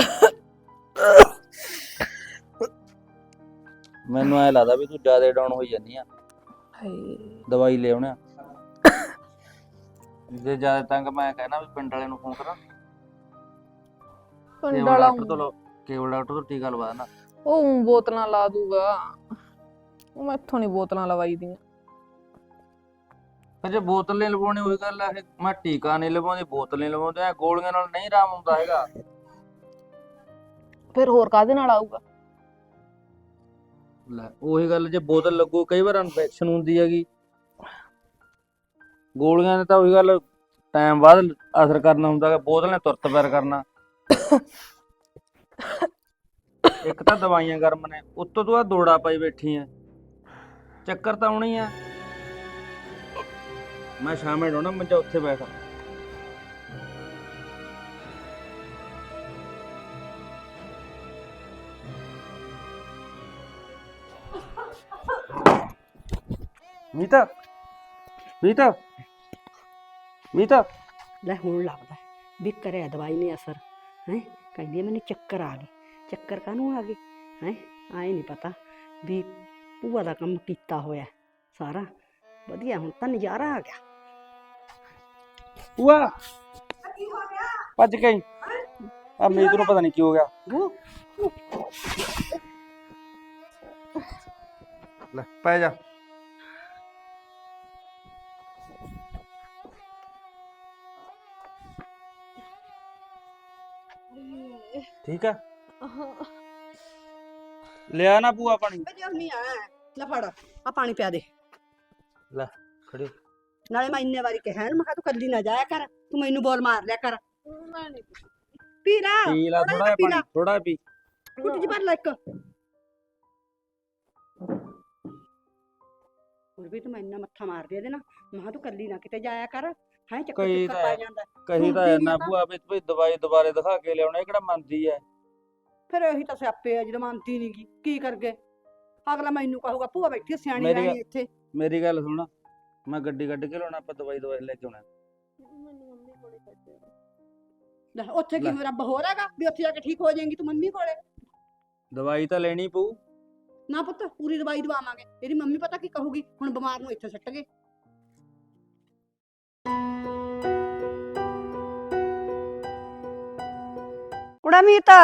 [SPEAKER 3] ਮੈਨੂੰ ਐ ਲੱਗਦਾ ਵੀ ਤੂੰ ਜ਼ਿਆਦਾ ਡਾਊਨ ਹੋਈ ਜਾਂਦੀ ਆ, ਦਵਾਈ ਲੈ ਆਉਣਾ। ਜੇ ਜ਼ਿਆਦਾ ਤੰਗ ਮੈਂ ਕਹਿਣਾ ਵੀ ਪਿੰਡ ਵਾਲੇ ਨੂੰ ਫੋਨ ਕਰਾਂ,
[SPEAKER 4] ਪਿੰਡ
[SPEAKER 3] ਕੇਵਲ
[SPEAKER 4] ਵਾਲਾ
[SPEAKER 3] ਡਾਕਟਰ ਤੋਂ ਕੇਵਲ ਡਾਕਟਰ ਤੋਂ ਟੀਕਾ ਲਵਾ ਦੇਣਾ।
[SPEAKER 4] ਉਹ ਬੋਤਲਾਂ ਲਾ ਦੂਗਾ, ਉਹ ਮੈਥੋਂ ਨਹੀਂ ਬੋਤਲਾਂ ਲਵਾਈ ਦੀਆਂ।
[SPEAKER 3] ਜੇ ਬੋਤਲ ਨਹੀਂ ਲਵਾਉਣੀ ਉਹੀ ਗੱਲ ਆ, ਮੈਂ ਟੀਕਾ ਨਹੀਂ ਲਵਾਉਂਦੀ, ਬੋਤਲ ਨਹੀਂ ਲਵਾਉਂਦੇ, ਐ ਗੋਲੀਆਂ ਨਾਲ ਨਹੀਂ ਆਰਾਮ ਹੁੰਦਾ ਹੈਗਾ।
[SPEAKER 4] ਫਿਰ ਹੋਰ ਕਾਹਦੇ ਨਾਲ ਆਊਗਾ?
[SPEAKER 3] ਲੈ ਉਹੀ ਗੱਲ, ਜੇ ਬੋਤਲ ਲੱਗੂ ਕਈ ਵਾਰ ਇਨਫੈਕਸ਼ਨ ਹੁੰਦੀ ਹੈਗੀ, ਗੋਲੀਆਂ ਨੇ ਤਾਂ ਉਹੀ ਗੱਲ ਟਾਈਮ ਬਾਅਦ ਅਸਰ ਕਰਨਾ ਹੁੰਦਾ ਹੈ, ਬੋਤਲ ਨੇ ਤੁਰਤ ਪੈਰ ਕਰਨਾ। ਇੱਕ ਤਾਂ ਦਵਾਈਆਂ ਗਰਮ ਨੇ, ਉੱਤੋਂ ਤੂੰ ਆ ਦੋੜਾ ਪਾਈ ਬੈਠੀ ਐ, ਚੱਕਰ ਤਾਂ ਆਉਣੀ ਆ। ਮੈਂ ਸ਼ਾਮੇ ਡੋਣਾ ਮੰਜਾ ਉੱਥੇ ਬੈਠ। ਮੀਤਾ ਮੀਤਾ ਮੀਤਾ,
[SPEAKER 5] ਲੈ ਹੁਣ ਲੱਗਦਾ ਵੀ ਕਰਿਆ ਦਵਾਈ ਨੇ ਅਸਰ ਹੈ। ਕਹਿੰਦੀ ਮੈਨੂੰ ਚੱਕਰ ਆ ਗਏ, ਚੱਕਰ ਕਾਹਨੂੰ ਆ ਗਏ ਹੈ? ਆਏ ਨਹੀਂ ਪਤਾ ਵੀ ਭੂਆ ਦਾ ਕੰਮ ਕੀਤਾ ਹੋਇਆ ਸਾਰਾ ਵਧੀਆ, ਹੁਣ ਤਾਂ ਨਜ਼ਾਰਾ ਆ ਗਿਆ।
[SPEAKER 3] ਭੂਆ ਭੱਜ ਗਈ ਆ, ਮੀਤ ਨੂੰ ਪਤਾ ਨਹੀਂ ਕੀ ਹੋ ਗਿਆ। ਲੈ ਪੈ ਜਾ। ਠੀਕ ਆ, ਲਿਆ ਨਾ ਭੂਆ ਪਾਣੀ।
[SPEAKER 5] ਲੈ ਫੜ ਆ ਪਾਣੀ ਪਿਆ ਦੇ।
[SPEAKER 3] ਲੈ ਖੜੀ।
[SPEAKER 5] ਨਾਲੇ ਮੈਂ ਇੰਨੇ ਵਾਰੀ ਕਿਹਾ ਮੈਂ ਕਿਹਾ ਤੂੰ ਕੱਲੀ ਨਾ ਜਾਇਆ ਕਰ, ਤੂੰ ਮੈਨੂੰ ਬੋਲ ਮਾਰ ਲਿਆ ਕਰ।
[SPEAKER 4] ਮੈਂ ਨਹੀਂ
[SPEAKER 5] ਪੀ ਲੈ
[SPEAKER 3] ਪੀ ਲਾ ਥੋੜਾ ਜਿਹਾ ਪਾਣੀ, ਥੋੜਾ ਪੀ।
[SPEAKER 5] ਕੁੱਟ ਜੀ ਭਰ ਲੈ ਇੱਕ। ਹੋਰ ਵੀ ਤੂੰ ਮੈਂ ਇੰਨਾ ਮੱਥਾ ਮਾਰਦੀ ਇਹਦੇ ਨਾਲ, ਮੈਂ ਕਿਹਾ ਤੂੰ ਕੱਲੀ ਨਾ ਕਿਤੇ ਜਾਇਆ ਕਰ, ਹੈ ਚੱਕਰ
[SPEAKER 3] ਕਹੀ
[SPEAKER 5] ਚੁੱਕਰ ਪਾ ਜਾਂਦਾ।
[SPEAKER 3] ਕਹੀ ਤਾਂ ਇੰਨਾ ਭੂਆ ਵੀ ਭਈ ਦਵਾਈ ਦੁਬਾਰੇ ਦਿਖਾ ਕੇ ਲਿਆਉਣਾ, ਇਹ ਕਿਹੜਾ ਮੰਨਦੀ ਐ।
[SPEAKER 5] ਫਿਰ ਇਹੀ ਤਾਂ ਸਿਆਪੇ ਆ ਜਦੋਂ ਮੰਨਦੀ ਨੀ ਗੀ, ਕੀ ਕਰਗੇ? ਅਗਲਾ ਮੈਨੂੰ ਕਹੂਗਾ ਭੂਆ ਬੈਠੀ ਸਿਆਣੀ
[SPEAKER 3] ਮੇਰੀ
[SPEAKER 5] ਰਹਿਣੀ ਇੱਥੇ।
[SPEAKER 3] ਮੇਰੀ ਗੱਲ ਸੁਣ, ਮੈਂ ਗੱਡੀ ਕੱਢ ਕੇ ਲਾਉਣਾ, ਆਪਾਂ ਦਵਾਈ ਲੈ ਕੇ ਆਉਣਾ।
[SPEAKER 5] ਲੈ ਉੱਥੇ ਕੀ
[SPEAKER 3] ਲੈ।
[SPEAKER 5] ਰੱਬ ਹੋਰ ਹੈਗਾ ਵੀ ਉੱਥੇ ਜਾ ਕੇ ਠੀਕ ਹੋ ਜਾਏਗੀ ਤੂੰ ਮੰਮੀ ਕੋਲੇ?
[SPEAKER 3] ਦਵਾਈ ਤਾਂ ਲੈਣੀ ਪਊ।
[SPEAKER 5] ਨਾ ਪੁੱਤ ਪੂਰੀ ਦਵਾਈ ਦਵਾਵਾਂਗੇ, ਤੇਰੀ ਮੰਮੀ ਪਤਾ ਕੀ ਕਹੂਗੀ, ਹੁਣ ਬਿਮਾਰ ਨੂੰ ਇੱਥੇ ਸੱਟ ਗਏ। ਕੁੜਾ ਮੀਤਾ,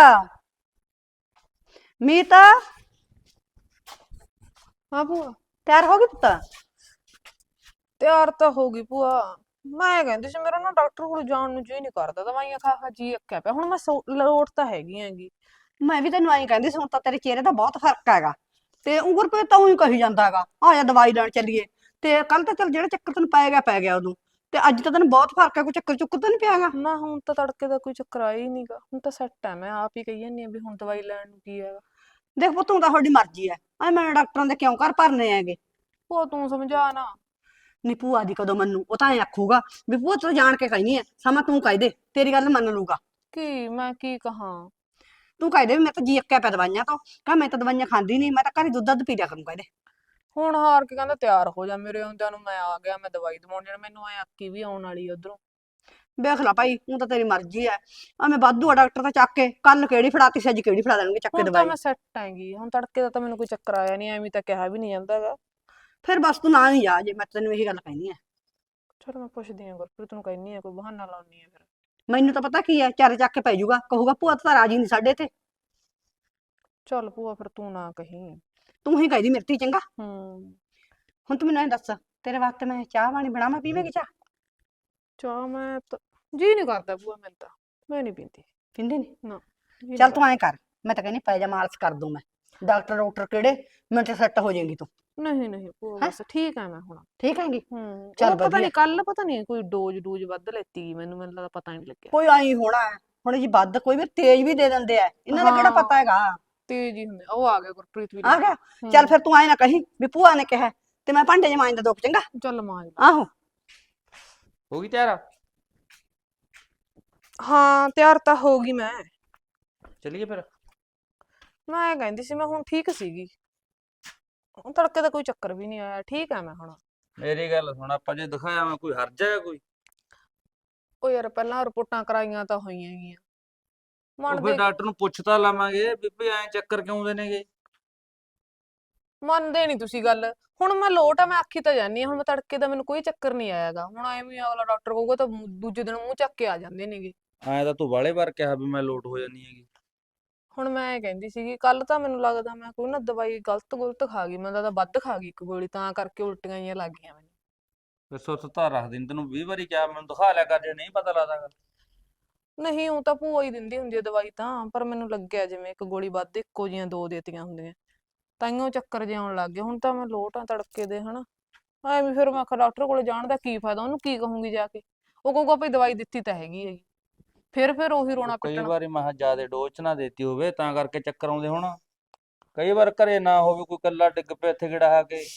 [SPEAKER 5] ਮੀਤਾ
[SPEAKER 4] ਹਾਂ ਭੂਆ,
[SPEAKER 5] ਤਿਆਰ ਹੋ ਗਈ ਪੁੱਤ?
[SPEAKER 4] ਤਿਆਰ ਤਾਂ ਹੋ ਗਈ ਭੂਆ। ਮੈਂ ਕਹਿੰਦੀ ਸੀ ਮੇਰਾ ਨਾ ਡਾਕਟਰ ਕੋਲ ਜਾਣ ਨੂੰ ਜੀ ਨਹੀਂ ਕਰਦਾ, ਦਵਾਈਆਂ ਖਾ ਖਾ ਜੀ ਅੱਕਿਆ ਪਿਆ। ਹੁਣ ਮੈਂ ਲੋਟ ਤਾਂ ਹੈਗੀ ਹੈਗੀ।
[SPEAKER 5] ਮੈਂ ਵੀ ਤੈਨੂੰ ਐਂ ਕਹਿੰਦੀ ਸੀ, ਹੁਣ ਤਾਂ ਤੇਰੇ ਚਿਹਰੇ ਦਾ ਬਹੁਤ ਫਰਕ ਹੈਗਾ, ਤੇ ਉਂਗਰ ਪੇ ਤਾਂ ਹੀ ਕਹੀ ਜਾਂਦਾ ਹੈਗਾ ਆ ਜਾ ਦਵਾਈ ਲੈਣ ਚੱਲੀਏ। ਤੇ ਕੱਲ ਤਾਂ ਚੱਲ ਜਿਹੜਾ ਚੱਕਰ ਤੈਨੂੰ ਪੈ ਗਿਆ ਉਦੋਂ, ਤੇ ਅੱਜ ਤਾਂ ਤੈਨੂੰ ਬਹੁਤ ਫਰਕ ਹੈ, ਕੋਈ ਚੱਕਰ ਚੁੱਕਰ ਤਾਂ ਨਹੀਂ ਪਿਆਗਾ?
[SPEAKER 4] ਨਾ ਹੁਣ ਤਾਂ ਤੜਕੇ ਦਾ ਕੋਈ ਚੱਕਰ ਆਇਆ ਹੀ ਨਹੀਂਗਾ, ਹੁਣ ਤਾਂ ਸੈੱਟ ਹੈ। ਮੈਂ ਆਪ ਹੀ ਕਹੀ ਜਾਂਦੀ ਹਾਂ ਵੀ ਹੁਣ ਦਵਾਈ ਲੈਣ ਨੂੰ ਕੀ ਹੈਗਾ।
[SPEAKER 5] ਦੇਖ ਪੁੱਤ ਹੁਣ ਤਾਂ ਤੁਹਾਡੀ ਮਰਜ਼ੀ ਹੈ, ਐ ਮੈਂ ਡਾਕਟਰਾਂ ਦੇ ਕਿਉਂ ਘਰ ਭਰਨੇ ਹੈਗੇ।
[SPEAKER 4] ਭੂਆ ਤੂੰ ਸਮਝਾ ਨਾ।
[SPEAKER 5] ਨੀ ਭੂਆ ਦੀ ਕਦੋਂ ਮੰਨੂ, ਉਹ ਤਾਂ ਐ ਆਖੂਗਾ ਵੀ ਭੂਆ ਤੂੰ ਜਾਣ ਕੇ ਕਹਿਨੀ ਐ, ਸਮਾਂ ਤੂੰ ਕਹਿ ਦੇ ਤੇਰੀ ਗੱਲ ਮੰਨ ਲੂਗਾ।
[SPEAKER 4] ਕੀ ਮੈਂ ਕੀ ਕਹਾਂ?
[SPEAKER 5] ਤੂੰ ਕਹਿ ਦੇ ਵੀ ਮੈਂ ਤਾਂ ਜੀ ਅੱਕਿਆ ਪਿਆ ਦਵਾਈਆਂ ਤੋਂ, ਕਹ ਮੈਂ ਤਾਂ ਦਵਾਈਆਂ ਖਾਂਦੀ ਨਹੀਂ, ਮੈਂ ਤਾਂ ਘਰੇ ਦੁੱਧ ਪੀ ਲਿਆ ਕਰੂੰ ਕਹਿ ਦੇ।
[SPEAKER 4] ਹੁਣ ਹਾਰ ਕੇ ਕਹਿੰਦਾ ਤਿਆਰ ਹੋ ਜਾ, ਮੇਰੇ ਆਉਂਦਿਆਂ ਨੂੰ ਮੈਂ ਆ ਗਿਆ, ਮੈਂ ਦਵਾਈ ਦਵਾਉਣ ਜਾਣਾ। ਮੈਨੂੰ ਐ ਅੱਕੀ ਵੀ ਆਉਣ ਵਾਲੀ ਉਧਰੋਂ।
[SPEAKER 5] ਵੇਖ ਲਾ ਭਾਈ, ਹੁਣ ਤਾਂ ਤੇਰੀ ਮਰਜ਼ੀ ਐ, ਐਵੇਂ ਵਾਧੂ ਆ ਡਾਕਟਰ ਤਾਂ ਚੱਕ ਕੇ, ਕੱਲ ਕਿਹੜੀ ਫੜਾਤੀ ਸੀ ਅੱਜ ਕਿਹੜੀ ਫੜਾ ਦੇਣਗੇ ਚੱਕ ਕੇ
[SPEAKER 4] ਹੁਣ ਤਾਂ
[SPEAKER 5] ਦਵਾਈ।
[SPEAKER 4] ਮੈਂ ਸੈੱਟ ਹੈਗੀ, ਹੁਣ ਤੜਕੇ ਦਾ ਤਾਂ ਮੈਨੂੰ ਕੋਈ ਚੱਕਰ ਆਇਆ ਨਹੀਂ, ਐਵੇਂ ਤਾਂ ਕਿਹਾ ਵੀ ਨਹੀਂ ਜਾਂਦਾਗਾ।
[SPEAKER 5] ਫਿਰ ਬਸ ਤੂੰ ਨਾ ਹੀ ਜਾ, ਜੇ ਮੈਂ ਤੈਨੂੰ ਇਹੀ ਗੱਲ ਕਹਿਨੀ ਐ।
[SPEAKER 4] ਚਲ ਮੈਂ ਪੁੱਛਦੀ ਆਂ ਗੁਰਪ੍ਰੀਤ ਨੂੰ, ਕਹਿੰਨੀ ਆ ਕੋਈ ਬਹਾਨਾ ਲਾਉਣੀ ਆ ਫਿਰ।
[SPEAKER 5] ਮੈਨੂੰ ਤਾਂ ਪਤਾ ਕੀ ਐ, ਚਾਰੇ ਚੱਕ ਕੇ ਪੈ ਜਾਊਗਾ, ਕਹੂਗਾ ਭੂਆ ਤਾਂ ਰਾਜੀ ਨਹੀਂ ਸਾਡੇ ਤੇ।
[SPEAKER 4] ਚੱਲ ਭੂਆ ਫਿਰ ਤੂੰ ਨਾ ਕਹੀਂ।
[SPEAKER 5] ਤੂੰ ਹੀ ਕਹਿਦੀ ਮੇਰੀ ਧੀ, ਚੰਗਾ।
[SPEAKER 4] ਹੂੰ।
[SPEAKER 5] ਹੁਣ ਤੂੰ ਮੈਨੂੰ ਐਂ ਦੱਸ, ਤੇਰੇ ਵਾਸਤੇ ਮੈਂ ਚਾਹ ਪਾਣੀ ਬਣਾਵਾਂ, ਪੀਵੇਂਗੀ ਚਾਹ?
[SPEAKER 4] ਚਾਹ ਮੈਂ ਤਾਂ ਜੀ ਨਹੀਂ ਕਰਦਾ ਭੂਆ, ਮੈਨੂੰ ਤਾਂ ਮੈਂ ਨਹੀਂ ਪੀਂਦੀ।
[SPEAKER 5] ਪੀਂਦੀ ਨਹੀਂ?
[SPEAKER 4] ਨਾ ਜੀ
[SPEAKER 5] ਚੱਲ
[SPEAKER 4] ਨੀ
[SPEAKER 5] ਤੂੰ ਐਂ ਕਰ, ਮੈਂ ਤਾਂ ਕਹਿੰਦੀ ਪੈ ਜਾ, ਮਾਲਸ਼ ਕਰ ਦੂੰ ਮੈਂ, ਡਾਕਟਰ ਕਿਹੜੇ, ਮੈਂ ਤੇ ਸੈੱਟ ਹੋ ਜਾਏਗੀ ਤੂੰ।
[SPEAKER 4] ਨਹੀਂ ਨਹੀਂ ਭੂਆ
[SPEAKER 5] ਹੈਂ?
[SPEAKER 4] ਬਸ ਠੀਕ ਆ ਮੈਂ ਹੁਣ।
[SPEAKER 5] ਠੀਕ ਹੈਗੀ?
[SPEAKER 4] ਹੂੰ।
[SPEAKER 5] ਚੱਲ
[SPEAKER 4] ਉਹ ਪਤਾ
[SPEAKER 5] ਵਧੀਆ।
[SPEAKER 4] ਨਹੀਂ ਕੱਲ ਪਤਾ ਨਹੀਂ ਕੋਈ ਡੋਜ਼ ਵੱਧ ਲੈਤੀ ਗਈ, ਮੈਨੂੰ ਲੱਗਦਾ ਪਤਾ ਨਹੀਂ ਲੱਗਿਆ।
[SPEAKER 5] ਕੋਈ ਆਈ ਹੋਣਾ ਹੈ, ਹੁਣ ਜੀ ਵੱਧ ਕੋਈ ਵੀ ਤੇਜ਼ ਵੀ ਦੇ ਦਿੰਦੇ ਆ, ਇਹਨਾਂ ਦਾ ਕਿਹੜਾ
[SPEAKER 4] ਹਾਂ
[SPEAKER 5] ਪਤਾ ਹੈਗਾ।
[SPEAKER 4] ਤੇਜ਼ ਹੀ ਹੁੰਦੇ। ਉਹ ਆ ਗਿਆ ਗੁਰਪ੍ਰੀਤ ਵੀ
[SPEAKER 5] ਆ
[SPEAKER 4] ਲੈ ਕੇ।
[SPEAKER 5] ਗਿਆ? ਚੱਲ
[SPEAKER 4] ਹੂੰ।
[SPEAKER 5] ਫਿਰ ਤੂੰ ਐਂ ਨਾ ਕਹੀਂ ਵੀ ਭੂਆ ਨੇ ਕਿਹਾ ਤੇ ਮੈਂ ਭਾਂਡੇ ਜਮਾਈਂ ਦਾ ਦੁੱਖ, ਚੰਗਾ।
[SPEAKER 4] ਚੱਲ ਮਾਂਜ ਲਾ।
[SPEAKER 5] ਆਹੋ।
[SPEAKER 3] ਹੋ ਗਈ ਤਿਆਰ?
[SPEAKER 4] ਹਾਂ ਤਿਆਰ ਤਾਂ ਹੋ ਗਈ ਮੈਂ।
[SPEAKER 3] ਚੱਲੀਏ ਫਿਰ।
[SPEAKER 4] ਮੈਂ ਕਹਿੰਦੀ ਸੀ ਮੈਂ ਹੁਣ ਠੀਕ ਸੀਗੀ, ਹੁਣ ਤੜਕੇ ਦਾ ਕੋਈ ਚੱਕਰ ਵੀ ਨਹੀਂ ਆਇਆ, ਠੀਕ ਆ ਮੈਂ ਹੁਣ।
[SPEAKER 3] ਮੇਰੀ ਗੱਲ ਸੁਣ, ਆਪਾਂ ਜੇ ਦਿਖਾਇਆ ਮੈਂ ਕੋਈ ਹਰਜ ਹੈ ਕੋਈ?
[SPEAKER 4] ਉਹ ਯਾਰ ਪਹਿਲਾਂ ਰਿਪੋਰਟਾਂ ਕਰਾਈਆਂ ਤਾਂ ਹੋਈਆਂ ਗੀਆਂ,
[SPEAKER 3] ਉਹ
[SPEAKER 4] ਮੰਨਦੇ
[SPEAKER 3] ਫਿਰ ਡਾਕਟਰ ਨੂੰ ਪੁੱਛ ਤਾਂ ਲਾਵਾਂਗੇ ਵੀ ਭਈ ਐਂ ਚੱਕਰ ਕਿਉਂ ਆਉਂਦੇ ਨੇਗੇ।
[SPEAKER 4] ਮੰਨਦੇ ਨਹੀਂ ਤੁਸੀਂ ਗੱਲ। ਹੁਣ ਮੈਂ ਲੋਟ ਆ, ਮੈਂ ਆਖੀ ਤਾਂ ਜਾਨੀ ਆ, ਹੁਣ ਮੈਂ ਤੜਕੇ ਦਾ ਮੈਨੂੰ ਕੋਈ ਚੱਕਰ ਨਹੀਂ ਆਇਆਗਾ। ਹੁਣ ਐਵੇਂ ਅਗਲਾ ਡਾਕਟਰ ਕਹੂਗਾ ਤਾਂ ਦੂਜੇ ਦਿਨ ਮੂੰਹ ਚੱਕ ਕੇ ਆ ਜਾਂਦੇ ਨੇਗੇ।
[SPEAKER 3] ਐਂ ਤਾਂ ਤੂੰ ਵਾਲੇ ਵਾਰ ਕਿਹਾ ਵੀ ਮੈਂ ਲੋਟ ਹੋ ਜਾਨੀ ਹੈਗੀ।
[SPEAKER 4] ਹੁਣ ਮੈਂ ਕਹਿੰਦੀ ਸੀਗੀ ਕੱਲ ਤਾਂ ਮੈਨੂੰ ਲੱਗਦਾ ਮੈਂ ਕੋਈ ਨਾ ਦਵਾਈ ਗਲਤ ਖਾ ਗਈ, ਮੈਨੂੰ ਲੱਗਦਾ ਵੱਧ ਖਾ ਗਈ ਇੱਕ ਗੋਲੀ, ਤਾਂ ਕਰਕੇ ਉਲਟੀਆਂ ਜਿਹੀਆਂ ਲੱਗ ਗਈਆਂ ਮੈਨੂੰ।
[SPEAKER 3] ਫਿਰ ਸੁੱਤ ਧਾਰ ਰੱਖਦੀ ਨੀ, ਤੈਨੂੰ 20 ਵਾਰੀ ਕਿਹਾ ਮੈਨੂੰ ਦਿਖਾ ਲਿਆ ਕਰ ਜੇ ਨਹੀਂ ਪਤਾ ਲੱਗਦਾਗਾ।
[SPEAKER 4] ਨਹੀਂ ਉਹ ਤਾਂ ਭੂਆ ਹੀ ਦਿੰਦੀ ਹੁੰਦੀ ਹੈ ਦਵਾਈ ਤਾਂ, ਪਰ ਮੈਨੂੰ ਲੱਗਿਆ ਜਿਵੇਂ ਇੱਕ ਗੋਲੀ ਵੱਧ ਇੱਕੋ ਜੀਆਂ ਦੋ ਦੇਤੀਆਂ ਹੁੰਦੀਆਂ, ਤਾਈਓ ਚੱਕਰ ਜਿਹੇ ਆਉਣ ਲੱਗ ਗਏ। ਹੁਣ ਤਾਂ ਮੈਂ ਲੋਟ ਆ ਤੜਕੇ ਦੇ, ਹਨਾ ਐਵੇਂ ਫਿਰ ਮੈਂ ਆਖਿਆ ਡਾਕਟਰ ਕੋਲ ਜਾਣ ਦਾ ਕੀ ਫਾਇਦਾ, ਉਹਨੂੰ ਕੀ ਕਹੂੰਗੀ ਜਾ ਕੇ, ਉਹ ਕਹੂਗਾ ਭਈ ਦਵਾਈ ਦਿੱਤੀ ਤਾਂ ਹੈਗੀ ਹੈਗੀ, ਫਿਰ ਉਹੀ ਰੋਣਾ
[SPEAKER 3] ਕਈ
[SPEAKER 4] ਪਿੱਟਣਾ।
[SPEAKER 3] ਵਾਰੀ ਮੈਂ ਕਿਹਾ ਜ਼ਿਆਦਾ ਡੋਜ਼ ਚ ਨਾ ਦੇਤੀ ਹੋਵੇ ਤਾਂ ਕਰਕੇ ਚੱਕਰ ਆਉਂਦੇ ਹੁਣ। ਕਈ ਵਾਰ ਘਰੇ ਨਾ ਹੋਵੇ, ਕੋਈ ਕੱਲਾ ਡਿੱਗ ਪਿਆ ਇੱਥੇ ਕਿਹੜਾ ਆ ਕੇ।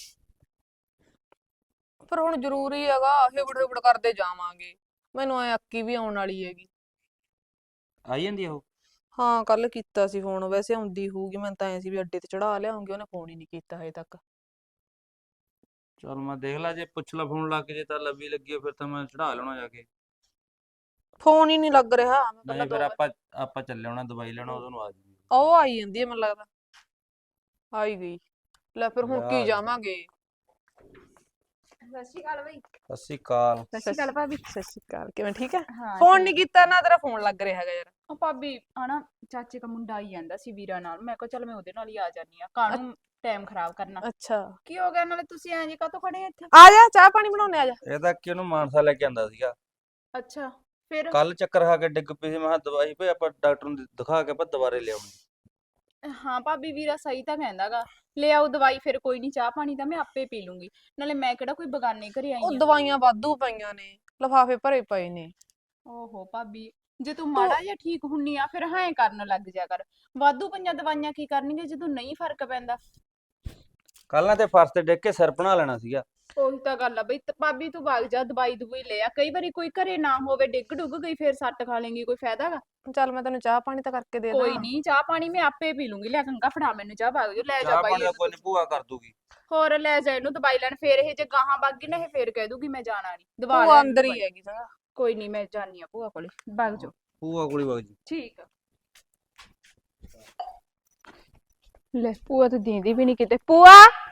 [SPEAKER 4] ਪਰ ਹੁਣ ਜ਼ਰੂਰੀ ਹੈਗਾ, ਹਿਬੜ ਕਰਦੇ ਜਾਵਾਂਗੇ, ਮੈਨੂੰ ਐ ਅੱਕੀ ਵੀ ਆਉਣ ਵਾਲੀ ਹੈਗੀ।
[SPEAKER 3] ਆਈ ਜਾਂਦੀ ਆ ਉਹ?
[SPEAKER 4] ਹਾਂ ਕੱਲ ਕੀਤਾ ਸੀ ਫੋਨ, ਵੈਸੇ ਆਉਂਦੀ ਹੋਊਗੀ, ਮੈਨੂੰ ਤਾਂ ਐ ਸੀ ਵੀ ਅੱਡੇ ਤੇ ਚੜਾ ਲਿਆਉਂਗੀ, ਉਹਨੇ ਫੋਨ ਹੀ ਨਹੀਂ ਕੀਤਾ ਹਜੇ ਤੱਕ।
[SPEAKER 3] ਚਲ ਮੈਂ ਦੇਖ ਲਾ, ਜੇ ਪੁੱਛ ਲਾ ਫੋਨ ਲਾ ਕੇ, ਜੇ ਤਾਂ ਲੱਭੀ ਲੱਗੀ ਫਿਰ ਤਾਂ ਮੈਂ ਚੜਾ ਲੈਣਾ ਜਾ ਕੇ।
[SPEAKER 4] ਫੋਨ ਹੀ ਨਹੀਂ ਲੱਗ ਰਿਹਾ। ਮੈਂ ਪਹਿਲਾਂ
[SPEAKER 3] ਨਹੀਂ ਫਿਰ ਆਪਾਂ ਚੱਲੇ ਹੋਣਾ ਦਵਾਈ ਲੈਣਾ, ਉਦੋਂ ਨੂੰ ਆ ਜੂਗੀ।
[SPEAKER 4] ਉਹ ਆਈ ਜਾਂਦੀ ਹੈ ਮੈਨੂੰ ਲੱਗਦਾ, ਆਈ ਗਈ। ਲੈ ਫਿਰ ਹੁਣ ਕੀ
[SPEAKER 3] ਯਾਰ।
[SPEAKER 4] ਜਾਵਾਂਗੇ।
[SPEAKER 6] ਸਤਿ ਸ਼੍ਰੀ ਅਕਾਲ ਬਈ।
[SPEAKER 3] ਸਤਿ ਸ਼੍ਰੀ ਅਕਾਲ।
[SPEAKER 6] ਸਤਿ ਸ਼੍ਰੀ ਅਕਾਲ ਭਾਬੀ।
[SPEAKER 4] ਸਤਿ ਸ਼੍ਰੀ ਅਕਾਲ, ਕਿਵੇਂ ਠੀਕ ਹੈ?
[SPEAKER 6] ਹਾਂ
[SPEAKER 4] ਫੋਨ
[SPEAKER 6] ਠੀਕ।
[SPEAKER 4] ਨਹੀਂ ਕੀਤਾ ਨਾ, ਤੇਰਾ ਫੋਨ ਲੱਗ ਰਿਹਾ ਹੈਗਾ ਯਾਰ।
[SPEAKER 6] ਉਹ ਭਾਬੀ ਹਨਾ ਚਾਚੇ ਦਾ ਮੁੰਡਾ ਆਈ ਜਾਂਦਾ ਸੀ ਵੀਰਾ ਨਾਲ, ਮੈਂ ਕਿਹਾ ਚੱਲ ਮੈਂ ਉਹਦੇ ਨਾਲ ਹੀ ਆ ਜਾਨੀ ਆ, ਕਾਹਨੂੰ ਟਾਈਮ ਖਰਾਬ ਕਰਨਾ।
[SPEAKER 4] ਅੱਛਾ
[SPEAKER 6] ਕੀ ਹੋ ਗਿਆ, ਨਾਲੇ ਤੁਸੀਂ ਐਂ ਜੇ ਕਾਹਤੋਂ ਖੜੇ ਆ ਇੱਥੇ?
[SPEAKER 4] ਆ ਜਾ, ਚਾਹ ਪਾਣੀ ਬਣਾਉਣੇ, ਆ ਜਾ।
[SPEAKER 3] ਇਹ ਤਾਂ ਕਿ ਉਹਨੂੰ ਮਾਨਸਾ ਲੈ ਕੇ ਆਂਦਾ ਸੀਗਾ,
[SPEAKER 6] ਅੱਛਾ ਫਿਰ?
[SPEAKER 3] ਕੱਲ ਚੱਕਰ ਖਾ ਕੇ ਡਿੱਗ ਪਈ ਸੀ। ਮੈਂ ਕਿਹਾ ਦਵਾਈ ਭਈ ਆਪਾਂ ਡਾਕਟਰ ਨੂੰ ਦਿਖਾ ਕੇ ਆਪਾਂ ਦੁਬਾਰੇ ਲਿਆਉਣੀ।
[SPEAKER 6] ਹਾਂ ਭਾਬੀ ਵੀਰਾ ਸਹੀ ਤਾਂ ਕਹਿੰਦਾਗਾ, ਲੈ ਆਓ ਦਵਾਈ, ਫਿਰ ਕੋਈ ਨਹੀਂ, ਚਾਹ ਪਾਣੀ ਤਾਂ ਮੈਂ ਆਪੇ ਪੀ ਲੂੰਗੀ, ਨਾਲੇ ਮੈਂ ਕਿਹੜਾ ਕੋਈ ਬਗਾਨੇ ਘਰੇ ਆਈ
[SPEAKER 4] ਉਹ
[SPEAKER 6] ਆ।
[SPEAKER 4] ਦਵਾਈਆਂ ਵਾਧੂ ਪਈਆਂ ਨੇ, ਲਿਫਾਫੇ ਭਰੇ ਪਏ ਨੇ।
[SPEAKER 6] ਓਹੋ ਭਾਬੀ, ਜੇ ਤੂੰ ਮਾੜਾ ਜਿਹਾ ਠੀਕ ਹੁੰਨੀ ਆ ਫਿਰ ਹਾਂ ਕਰਨ ਲੱਗ ਜਾ ਕਰ, ਵਾਧੂ ਪਈਆਂ ਦਵਾਈਆਂ ਕੀ ਕਰਨਗੇ ਜਦੋਂ ਨਹੀਂ ਫਰਕ ਪੈਂਦਾ।
[SPEAKER 3] ਕੱਲ ਨਾ ਤੇ ਫਰਸ਼ ਤੇ ਡਿੱਗ ਕੇ ਸਿਰ ਬਣਾ ਲੈਣਾ ਸੀਗਾ।
[SPEAKER 6] ਉਹੀ ਤਾਂ ਗੱਲ ਆ ਬਈ, ਭਾਬੀ ਤੂੰ ਵਗ ਜਾ, ਦਵਾਈ ਦਵਾਈ ਲੈ ਆ, ਕਈ ਵਾਰੀ ਕੋਈ ਘਰੇ ਨਾ ਹੋਵੇ, ਡਿੱਗ ਡੁੱਗ ਗਈ ਫਿਰ ਸੱਟ ਖਾ ਲੇਂਗੀ, ਕੋਈ ਫਾਇਦਾ ਗਾ?
[SPEAKER 4] ਚੱਲ ਮੈਂ ਤੈਨੂੰ ਚਾਹ ਪਾਣੀ ਤਾਂ ਕਰਕੇ ਦੇ ਦਾਂ।
[SPEAKER 6] ਕੋਈ ਨਹੀਂ, ਚਾਹ ਪਾਣੀ ਮੈਂ ਆਪੇ ਪੀ ਲੂੰਗੀ, ਲੈ ਗੰਗਾ ਫੜਾ ਮੈਨੂੰ ਚਾਹ, ਵਗ ਜਾ, ਲੈ ਜਾ
[SPEAKER 3] ਚਾਹ
[SPEAKER 6] ਬਾਈ
[SPEAKER 3] ਪਾਣੀ ਦਾ
[SPEAKER 6] ਇਹਨੂੰ
[SPEAKER 3] ਕੋਈ ਨੀ, ਭੂਆ ਕਰ ਦੂਗੀ।
[SPEAKER 6] ਹੋਰ ਲੈ ਜਾ ਇਹਨੂੰ ਦਵਾਈ ਲੈਣ, ਫੇਰ ਇਹ ਜੇ ਗਾਹਾਂ ਵਗ ਗਈ ਨਾ, ਇਹ ਫੇਰ ਕਹਿ ਦੂਗੀ ਮੈਂ ਜਾਣਾ ਨਹੀਂ, ਦਵਾ
[SPEAKER 4] ਭੂਆ
[SPEAKER 6] ਲੈ
[SPEAKER 4] ਅੰਦਰ ਹੀ ਹੈਗੀ ਚੰਗਾ।
[SPEAKER 6] ਕੋਈ ਨਹੀਂ, ਮੈਂ ਜਾਨੀ ਆ ਭੂਆ ਕੋਲੇ, ਵਗ ਜਾ।
[SPEAKER 3] ਭੂਆ ਕੋਲ ਹੀ ਵਗ ਜੀ।
[SPEAKER 6] ਠੀਕ ਆ। ਲੈ ਭੂਆ ਤਾਂ ਦੀਂਦੀ ਵੀ ਨਹੀਂ ਕਿਤੇ। ਭੂਆ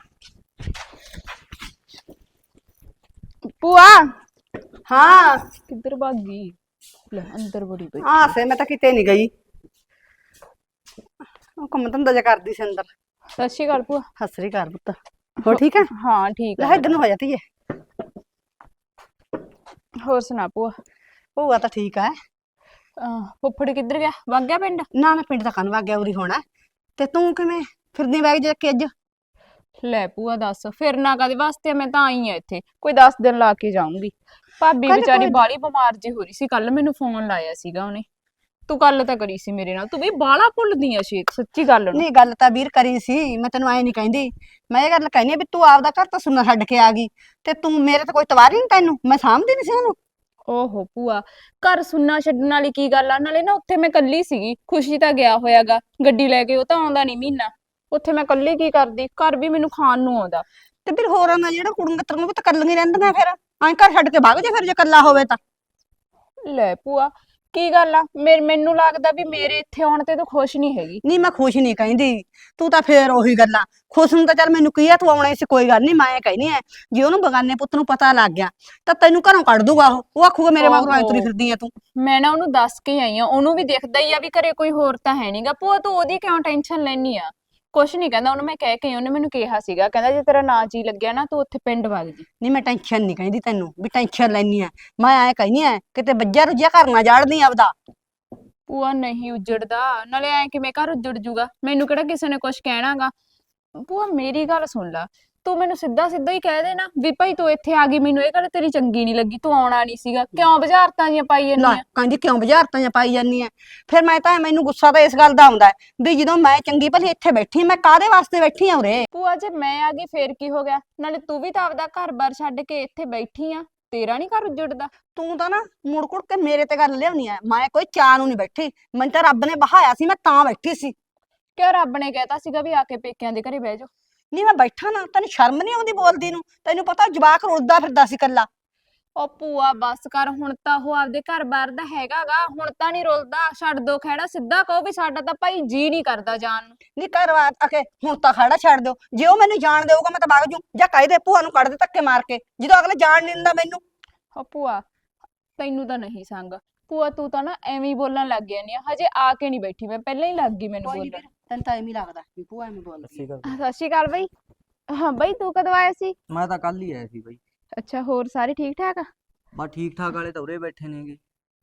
[SPEAKER 6] ਭੂਆ
[SPEAKER 5] ਹਾਂ
[SPEAKER 6] ਕਿੱਧਰ ਭੱਗ ਗਈ? ਲੈ ਅੰਦਰ ਬੜੀ ਪਈ।
[SPEAKER 5] ਆ ਸੇ ਮੈਂ ਤਾਂ ਕਿਤੇ ਨਹੀਂ ਗਈ, ਉਹ ਕੰਮ ਧੰਦਾ ਜਿਹਾ ਕਰਦੀ ਸੀ ਅੰਦਰ।
[SPEAKER 6] ਸਤਿ ਸ਼੍ਰੀ ਅਕਾਲ ਭੂਆ।
[SPEAKER 5] ਸਤਿ ਸ੍ਰੀ ਅਕਾਲ ਪੁੱਤ, ਹੋ ਠੀਕ ਹੈ?
[SPEAKER 6] ਹਾਂ ਠੀਕ
[SPEAKER 5] ਲੈ
[SPEAKER 6] ਆ।
[SPEAKER 5] ਇੱਧਰ ਨੂੰ ਹੋ ਜਾਤੀ ਹੈ।
[SPEAKER 6] ਹੋਰ ਸੁਣਾ ਭੂਆ?
[SPEAKER 5] ਭੂਆ ਤਾਂ ਠੀਕ ਹੈ।
[SPEAKER 6] ਫੁੱਫੜ ਕਿੱਧਰ ਗਿਆ? ਵਗ ਗਿਆ ਪਿੰਡ?
[SPEAKER 5] ਨਾ ਨਾ ਪਿੰਡ ਦਾ ਕੰਨ ਵਗ ਗਿਆ, ਉਰੀ ਹੋਣਾ। ਤੇ ਤੂੰ ਕਿਵੇਂ ਫਿਰਦੀ ਬੈਗ ਜੇ ਕੇ ਅੱਜ?
[SPEAKER 6] ਲੈ ਭੂਆ ਦੱਸ, ਫਿਰਨਾ ਕਾਦੇ ਵਾਸਤੇ ਆ? ਮੈਂ ਤਾਂ ਆਈ ਆ ਇੱਥੇ, ਕੋਈ 10 ਦਿਨ ਲਾ ਕੇ ਜਾਊਂਗੀ। ਭਾਬੀ
[SPEAKER 5] ਕੱਲ੍ਹ
[SPEAKER 6] ਵਿਚਾਰੀ
[SPEAKER 5] ਕੋਈ-
[SPEAKER 6] ਬਾਲੀ ਬਿਮਾਰ ਜੀ ਹੋ ਰਹੀ ਸੀ, ਕੱਲ ਮੈਨੂੰ ਫੋਨ ਲਾਇਆ ਸੀਗਾ ਉਹਨੇ। ਤੂੰ ਗੱਲ ਤਾਂ ਕਰੀ ਸੀ ਮੇਰੇ ਨਾਲ, ਤੂੰ ਵੀ ਬਾਲਾ ਭੁੱਲਦੀ ਆ ਸ਼ੇਖ, ਸੱਚੀ ਗੱਲ ਨੂੰ।
[SPEAKER 5] ਨਹੀਂ ਗੱਲ ਤਾਂ ਵੀਰ ਕਰੀ ਸੀ, ਮੈਂ ਤੈਨੂੰ ਐ ਨਹੀਂ ਕਹਿੰਦੀ। ਮੈਂ ਇਹ ਗੱਲ ਕਹਿੰਦੀ ਆ ਵੀ ਤੂੰ ਆਪਦਾ ਘਰ ਤਾਂ ਸੁਣਨਾ ਛੱਡ ਕੇ ਆ ਗਈ, ਤੇ ਤੂੰ ਮੇਰੇ ਤੇ ਕੋਈ ਤਵਾਰੀ ਨਹੀਂ ਤੈਨੂੰ, ਮੈਂ ਸਾਂਭਦੀ ਨਹੀਂ ਸੀ ਉਹਨੂੰ।
[SPEAKER 6] ਓਹੋ ਭੂਆ, ਘਰ ਸੁਣਨਾ ਛੱਡਣ ਵਾਲੀ ਕੀ ਗੱਲ ਆ? ਨਾਲੇ ਨਾ ਉੱਥੇ ਮੈਂ ਕੱਲੀ ਸੀਗੀ, ਖੁਸ਼ੀ ਤਾਂ ਗਿਆ ਹੋਇਆਗਾ ਗੱਡੀ ਲੈ ਕੇ, ਉਹ ਤਾਂ ਆਉਂਦਾ ਨਹੀਂ ਮਹੀਨਾ। ਉੱਥੇ ਮੈਂ ਕੱਲੀ ਕੀ ਕਰਦੀ? ਘਰ ਵੀ ਮੈਨੂੰ ਖਾਣ ਨੂੰ ਆਉਂਦਾ।
[SPEAKER 5] ਤੇ ਫਿਰ ਹੋਰਾਂ ਦਾ ਜਿਹੜਾ ਕੁੜੀਆਂ ਤਰੀਆਂ ਵੀ ਤਾਂ ਕੱਲੀਆਂ ਰਹਿੰਦੀਆਂ, ਫਿਰ ਐਂ ਘਰ ਛੱਡ ਕੇ ਵਗ ਜਾ ਫਿਰ ਜੇ ਕੱਲਾ ਹੋਵੇ ਤਾਂ।
[SPEAKER 6] ਲੈ ਭੂਆ ਕੀ ਗੱਲ ਆ? ਮੈਨੂੰ ਲੱਗਦਾ ਵੀ ਮੇਰੇ ਇੱਥੇ ਆਉਣ ਤੇ ਤੂੰ ਖੁਸ਼ ਨਹੀਂ ਹੈਗੀ।
[SPEAKER 5] ਨਹੀਂ ਮੈਂ ਖੁਸ਼ ਨਹੀਂ ਕਹਿੰਦੀ, ਤੂੰ ਤਾਂ ਫੇਰ ਉਹੀ ਗੱਲਾਂ। ਖੁਸ਼ ਨੂੰ ਤਾਂ ਚੱਲ ਮੈਨੂੰ ਕੀ ਆ, ਤੂੰ ਆਉਣਾ ਸੀ ਕੋਈ ਗੱਲ ਨਹੀਂ, ਮੈਂ ਕਹਿੰਦੀ ਐ ਜੇ ਉਹਨੂੰ ਬਗਾਨੇ ਪੁੱਤ ਨੂੰ ਪਤਾ ਲੱਗ ਗਿਆ ਤਾਂ ਤੈਨੂੰ ਘਰੋਂ ਕੱਢ ਦੂਗਾ ਉਹ ਆਖੂਗਾ ਮੇਰੇ ਮਗਰੋਂ ਐ ਤੁਰੀ ਫਿਰਦੀ ਐ ਤੂੰ।
[SPEAKER 6] ਮੈਂ ਨਾ ਉਹਨੂੰ ਦੱਸ ਕੇ ਆਈ ਆ, ਉਹਨੂੰ ਵੀ ਦਿਖਦਾ ਹੀ ਆ ਵੀ ਘਰੇ ਕੋਈ ਹੋਰ ਤਾਂ ਹੈ ਨਹੀਂਗਾ। ਭੂਆ ਤੂੰ ਉਹਦੀ ਕਿਉਂ ਟੈਨਸ਼ਨ ਲੈਣੀ ਆ? ਕੁਛ ਨਹੀਂ ਕਹਿੰਦਾ, ਉਹਨੂੰ ਮੈਂ ਕਹਿ ਕੇ ਆਈ, ਉਹਨੇ ਮੈਨੂੰ ਕਿਹਾ ਸੀਗਾ, ਕਹਿੰਦਾ ਜੇ ਤੇਰਾ ਨਾ ਜੀ ਲੱਗਿਆ ਨਾ ਤੂੰ ਉੱਥੇ ਪਿੰਡ ਵਗ ਜੀ।
[SPEAKER 5] ਨਹੀਂ ਮੈਂ ਟੈਨਸ਼ਨ ਨਹੀਂ ਕਹਿੰਦੀ ਤੈਨੂੰ ਵੀ ਟੈਨਸ਼ਨ ਲੈਣੀ ਐ, ਮੈਂ ਐ ਕਹਿੰਦੀ ਐ ਕਿਤੇ ਬੱਜਿਆ ਰੁੱਜਿਆ ਘਰ ਨਾ ਜਾੜਦੀ ਆਪਦਾ।
[SPEAKER 6] ਭੂਆ ਨਹੀਂ ਉੱਜੜਦਾ, ਨਾਲੇ ਐ ਕਿਵੇਂ ਘਰ ਉੱਜੜ ਜੂਗਾ? ਮੈਨੂੰ ਕਿਹੜਾ ਕਿਸੇ ਨੇ ਕੁਛ ਕਹਿਣਾਗਾ। ਭੂਆ ਮੇਰੀ ਗੱਲ ਸੁਣ ਲਾ, ਤੂੰ ਮੈਨੂੰ ਸਿੱਧਾ ਸਿੱਧਾ ਹੀ ਕਹਿ ਦੇ ਨਾ ਵੀ ਭਾਈ ਤੂੰ ਇੱਥੇ ਆ ਗਈ, ਮੈਨੂੰ ਇਹ ਗੱਲ ਤੇਰੀ ਚੰਗੀ ਨਹੀਂ ਲੱਗੀ, ਤੂੰ ਆਉਣਾ ਨਹੀਂ ਸੀਗਾ, ਕਿਉਂ ਬੁਝਾਰਤਾਂ ਜੀਆਂ ਪਾਈ
[SPEAKER 5] ਲੈ
[SPEAKER 6] ਜਾਂਦੀ ਆ?
[SPEAKER 5] ਕਹਿੰਦੀ ਕਿਉਂ ਬੁਝਾਰਤਾਂ ਜਾਂ ਪਾਈ ਜਾਂਦੀ ਐ? ਫਿਰ ਮੈਂ ਤਾਂ ਮੈਨੂੰ ਗੁੱਸਾ ਤਾਂ ਇਸ ਗੱਲ ਦਾ ਆਉਂਦਾ ਹੈ ਵੀ ਜਦੋਂ ਮੈਂ ਚੰਗੀ ਭਲੀ ਇੱਥੇ ਬੈਠੀ, ਮੈਂ ਕਾਹਦੇ ਵਾਸਤੇ ਬੈਠੀ ਆ ਉਰੇ?
[SPEAKER 6] ਭੂਆ ਜੇ ਮੈਂ ਆ ਗਈ ਫੇਰ ਕੀ ਹੋ ਗਿਆ? ਨਾਲੇ ਤੂੰ ਵੀ ਤਾਂ ਆਪਦਾ ਘਰ-ਬਾਰ ਛੱਡ ਕੇ ਇੱਥੇ ਬੈਠੀ ਆ, ਤੇਰਾ ਨਹੀਂ ਘਰ ਉੱਜੜਦਾ?
[SPEAKER 5] ਤੂੰ ਤਾਂ ਨਾ ਮੁੜ ਕੁੜ ਕੇ ਮੇਰੇ ਤੇ ਗੱਲ ਲਿਆਉਣੀ ਐ, ਮੈਂ ਕੋਈ ਚਾਹ ਨੂੰ ਨਹੀਂ ਬੈਠੀ, ਮੈਨੂੰ ਤਾਂ ਰੱਬ ਨੇ ਬਹਾਇਆ ਸੀ, ਮੈਂ ਤਾਂ ਬੈਠੀ ਸੀ।
[SPEAKER 6] ਕਿਉਂ ਰੱਬ ਨੇ ਕਹਿਤਾ ਸੀਗਾ ਵੀ ਆ ਕੇ ਪੇਕਿਆਂ ਦੇ ਘਰੇ ਬਹਿ ਜਾ?
[SPEAKER 5] ਨਹੀਂ ਮੈਂ ਬੈਠਾ ਨਾ, ਤੈਨੂੰ ਸ਼ਰਮ ਨਹੀਂ ਆਉਂਦੀ ਬੋਲਦੀ ਨੂੰ? ਤੈਨੂੰ ਪਤਾ ਜਵਾਕ ਰੁਲਦਾ ਫਿਰਦਾ ਸੀ ਕੱਲਾ।
[SPEAKER 6] ਉਹ ਭੂਆ ਬਸ ਕਰ, ਹੁਣ ਤਾਂ ਉਹ ਆਪਦੇ ਘਰ-ਬਾਰ ਦਾ ਹੈਗਾਗਾ, ਹੁਣ ਤਾਂ ਨਹੀਂ ਰੁਲਦਾ। ਛੱਡ ਦੋ ਖਹਿੜਾ, ਸਿੱਧਾ ਕਹੋ ਵੀ ਸਾਡਾ ਤਾਂ ਭਾਈ ਜੀ ਨਹੀਂ ਕਰਦਾ ਜਾਣ ਨੂੰ।
[SPEAKER 5] ਨਹੀਂ ਘਰ ਆਕੇ ਹੁਣ ਤਾਂ ਖੜਾ ਛੱਡ ਦਿਓ, ਜੇ ਉਹ ਮੈਨੂੰ ਜਾਣ ਦੇਊਗਾ ਮੈਂ ਤਾਂ ਵਗ ਜੂ, ਜਾਂ ਕਹਿ ਦੇ ਭੂਆ ਨੂੰ ਕੱਢ ਦੇ ਧੱਕੇ ਮਾਰ ਕੇ, ਜਦੋਂ ਅਗਲੇ ਜਾਣ ਨਹੀਂ ਦਿੰਦਾ ਮੈਨੂੰ।
[SPEAKER 6] ਉਹ ਭੂਆ ਤੈਨੂੰ ਤਾਂ ਨਹੀਂ ਸੰਗ। ਭੂਆ ਤੂੰ ਤਾਂ ਨਾ ਐਵੇਂ ਹੀ ਬੋਲਣ ਲੱਗ ਜਾਂਦੀ ਆ, ਹਜੇ ਆ ਕੇ ਨਹੀਂ ਬੈਠੀ, ਮੈਂ ਪਹਿਲਾਂ ਹੀ ਲੱਗ ਗਈ ਮੈਨੂੰ
[SPEAKER 5] ਕੋਈ ਨੀ
[SPEAKER 6] ਬੋਲਣ।
[SPEAKER 5] ਵੀਰ, ਤੈਨੂੰ ਤਾਂ ਐਵੇਂ ਹੀ ਲੱਗਦਾ ਵੀ ਭੂਆ ਐਵੇਂ ਬੋਲਦੀ ਆ।
[SPEAKER 6] ਸਤਿ ਸ਼੍ਰੀ ਅਕਾਲ ਬਈ। ਹਾਂ ਬਈ ਤੂੰ ਕਦੋਂ ਆਇਆ ਸੀ?
[SPEAKER 3] ਮੈਂ ਤਾਂ ਕੱਲ ਹੀ ਆਇਆ ਸੀ ਬਾਈ।
[SPEAKER 6] ਅੱਛਾ ਹੋਰ ਸਾਰੇ ਠੀਕ ਠਾਕ ਆ?
[SPEAKER 3] ਬਸ ਠੀਕ ਠਾਕ ਵਾਲੇ ਤਾਂ ਉਰੇ ਬੈਠੇ ਨੇਗੇ।